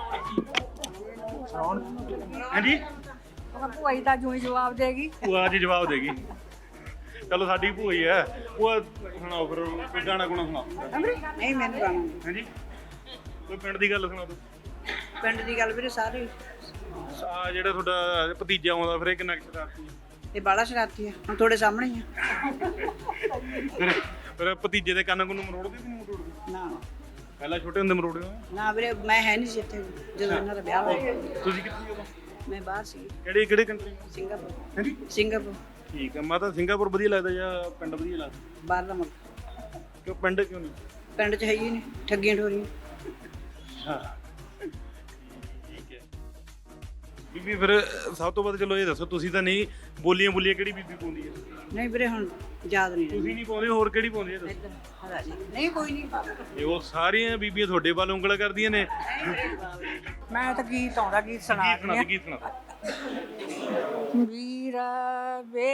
Speaker 4: ਹਾਂਜੀ,
Speaker 12: ਉਹ ਭੂਆ ਜੀ ਤਾਂ ਜੂੰ ਹੀ ਜਵਾਬ ਦੇਗੀ।
Speaker 4: ਭੂਆ ਜੀ ਜਵਾਬ ਦੇਗੀ। ਚਲੋ ਸਾਡੀ ਭੂਆ ਹੀ ਹੈ। ਭੂਆ ਸੁਣਾਓ ਫਿਰ ਕੋਈ ਗਾਣਾ ਗੁਣਾ ਸੁਣਾਓ।
Speaker 12: ਨਹੀਂ ਮੈਨੂੰ ਗਾਣਾ।
Speaker 4: ਹਾਂਜੀ, ਕੋਈ ਪਿੰਡ ਦੀ ਗੱਲ ਸੁਣਾ ਦਿਓ।
Speaker 12: ਪਿੰਡ ਦੀ ਗੱਲ ਵੀਰੇ ਸਾਰੇ।
Speaker 4: ਆ ਜਿਹੜਾ ਤੁਹਾਡਾ ਭਤੀਜਾ ਆਉਂਦਾ ਫਿਰ ਇਹ ਕਿੰਨਾ ਕੁ ਸ਼ਰਾਰਤੀ ਹੈ?
Speaker 12: ਇਹ ਬਾਲਾ ਸ਼ਰਾਰਤੀ ਆ, ਹੁਣ ਤੁਹਾਡੇ ਸਾਹਮਣੇ ਹੀ ਆ।
Speaker 4: ਫਿਰ ਫਿਰ ਭਤੀਜੇ ਦੇ ਕੰਨ ਕੁੰਨ ਮਰੋੜਦੇ ਕਿ ਨਹੀਂ ਮਰੋੜਦੇ?
Speaker 12: ਨਾ
Speaker 4: ਪਹਿਲਾਂ ਛੋਟੇ ਹੁੰਦੇ ਮਰੋੜੇ ਹੋ?
Speaker 12: ਨਾ ਵੀਰੇ, ਮੈਂ ਹੈ ਨਹੀਂ ਸੀ ਇੱਥੇ ਜਦੋਂ ਇਹਨਾਂ ਦਾ ਵਿਆਹ ਹੋਇਆ।
Speaker 4: ਤੁਸੀਂ ਕਿੱਥੇ ਹੋ?
Speaker 12: ਮੈਂ ਬਾਹਰ ਸੀ।
Speaker 4: ਕਿਹੜੀ ਕਿਹੜੇ ਕੰਟਰੀ?
Speaker 12: ਸਿੰਗਾਪੁਰ।
Speaker 4: ਹਾਂਜੀ
Speaker 12: ਸਿੰਗਾਪੁਰ।
Speaker 4: ਠੀਕ ਹੈ ਮਾਤਾ, ਸਿੰਗਾਪੁਰ ਵਧੀਆ ਲੱਗਦਾ ਜਾਂ ਪਿੰਡ ਵਧੀਆ ਲੱਗਦਾ?
Speaker 12: ਬਾਹਰ ਦਾ ਮੁਲਕ।
Speaker 4: ਕਿਉਂ ਪਿੰਡ ਕਿਉਂ ਨਹੀਂ?
Speaker 12: ਪਿੰਡ 'ਚ ਹੈ ਹੀ ਨਹੀਂ, ਠੱਗੀਆਂ ਠੋਰੀਆਂ।
Speaker 4: ਹਾਂ ਠੀਕ ਹੈ ਬੀਬੀ, ਫਿਰ ਸਭ ਤੋਂ ਵੱਧ ਚਲੋ ਇਹ ਦੱਸੋ, ਤੁਸੀਂ ਤਾਂ ਨਹੀਂ ਬੋਲੀਆਂ ਬੋਲੀਆਂ ਕਿਹੜੀ ਬੀਬੀ ਪਾਉਂਦੀ ਹੈ?
Speaker 12: ਨਹੀਂ ਵੀਰੇ ਹੁਣ ਯਾਦ ਨਹੀਂ
Speaker 4: ਤੁਸੀਂ ਨਹੀਂ ਪਾਉਂਦੇ, ਹੋਰ ਕਿਹੜੀ ਪਾਉਂਦੀ ਹੈ ਦੱਸੋ?
Speaker 12: ਇੱਧਰ ਹਰਾ ਜੀ ਨਹੀਂ, ਕੋਈ ਨਹੀਂ।
Speaker 4: ਇਹ ਉਹ ਸਾਰੀਆਂ ਬੀਬੀਆਂ ਤੁਹਾਡੇ ਵੱਲ ਉਂਗਲ ਕਰਦੀਆਂ ਨੇ।
Speaker 12: ਮੈਂ ਤਾਂ ਗੀਤ ਆਉਂਦਾ, ਗੀਤ ਸੁਣਾ
Speaker 4: ਗੀਤ ਸੁਣਾ ਦੇ, ਗੀਤ ਸੁਣਾ ਦੇ।
Speaker 12: ਵੀਰਾ ਵੇ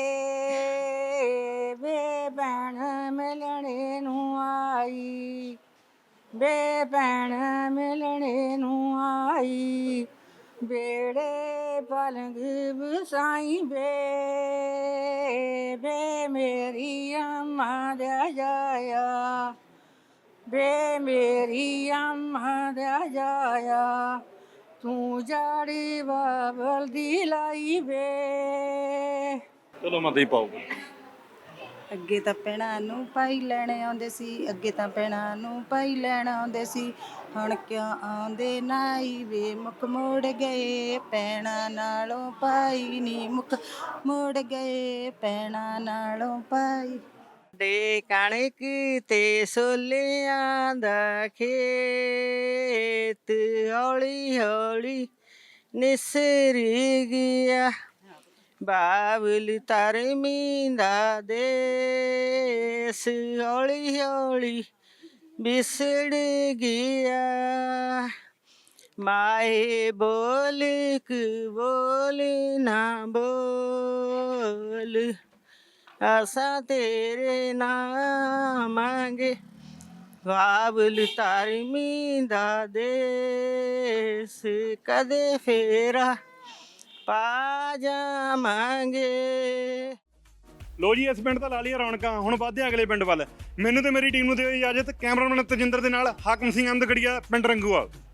Speaker 12: ਵੇ ਭੈਣ ਮਿਲਣੇ ਨੂੰ ਆਈ, ਵੇ ਭੈਣ ਮਿਲਣੇ ਨੂੰ ਆਈ, ਬੇੜੇ ਪਲੰਗ ਵਸਾਈ ਵੇ, ਵੇ ਮੇਰੀ ਅੰਮਾ ਦਾ ਜਾਇਆ, ਵੇ ਮੇਰੀ ਅੰਮਾ ਦਾ ਜਾਇਆ, ਤੂੰ ਜਾੜੀ ਬਾਬਲ ਦੀ ਲਾਈ ਵੇ।
Speaker 4: ਚਲੋ ਮਾਤਾ ਜੀ ਪਾਓ।
Speaker 13: ਅੱਗੇ ਤਾਂ ਪੈਣਾ ਨੂੰ ਪਾਈ ਲੈਣ ਆਉਂਦੇ ਸੀ, ਅੱਗੇ ਤਾਂ ਪੈਣਾ ਨੂੰ ਪਾਈ ਲੈਣ ਆਉਂਦੇ ਸੀ, ਹੁਣ ਕਿਉਂ ਆਉਂਦੇ ਨਾਈ ਵੇ, ਮੁੱਕ ਮੋੜ ਗਏ ਪੈਣਾ ਨਾਲੋਂ ਪਾਈ ਨੀ, ਮੁੱਕ ਮੋੜ ਗਏ ਪੈਣਾ ਨਾਲੋਂ ਪਾਈ।
Speaker 12: ਦੇ ਕਣਕ ਤੇ ਸੋਲਿਆਂ ਦਾ ਖੇਤ ਹੌਲੀ ਹੌਲੀ ਨਿਸਰ ਗਿਆ,
Speaker 13: ਬਾਬਲ ਧਰਮੀ ਦਾ ਦੇਸ ਹੌਲੀ ਹੌਲੀ ਵਿਸੜ ਗਿਆ ਮਾਏ ਬੋਲ ਕ ਬੋਲ ਨਾ ਬੋਲ ਆਸਾਂ ਤੇਰੇ ਨਾਮਾਂਗੇ ਬਾਬਲ ਧਰਮੀ ਦਾ ਦੇਸ ਕਦੇ ਫੇਰਾ ਪਾ ਜਾਵਾਂਗੇ।
Speaker 4: ਲੋ ਜੀ, ਇਸ ਪਿੰਡ ਤਾਂ ਲਾ ਲਈਆਂ ਰੌਣਕਾਂ, ਹੁਣ ਵੱਧਦੇ ਹਾਂ ਅਗਲੇ ਪਿੰਡ ਵੱਲ। ਮੈਨੂੰ ਤੇ ਮੇਰੀ ਟੀਮ ਨੂੰ ਦਿਓ ਇਜਾਜ਼ਤ। ਕੈਮਰਾਮੈਨ ਤਜਿੰਦਰ ਦੇ ਨਾਲ ਹਾਕਮ ਸਿੰਘ ਅਹਿਮਦਗੜੀਆ, ਪਿੰਡ ਰੰਗੂਵਾਲ।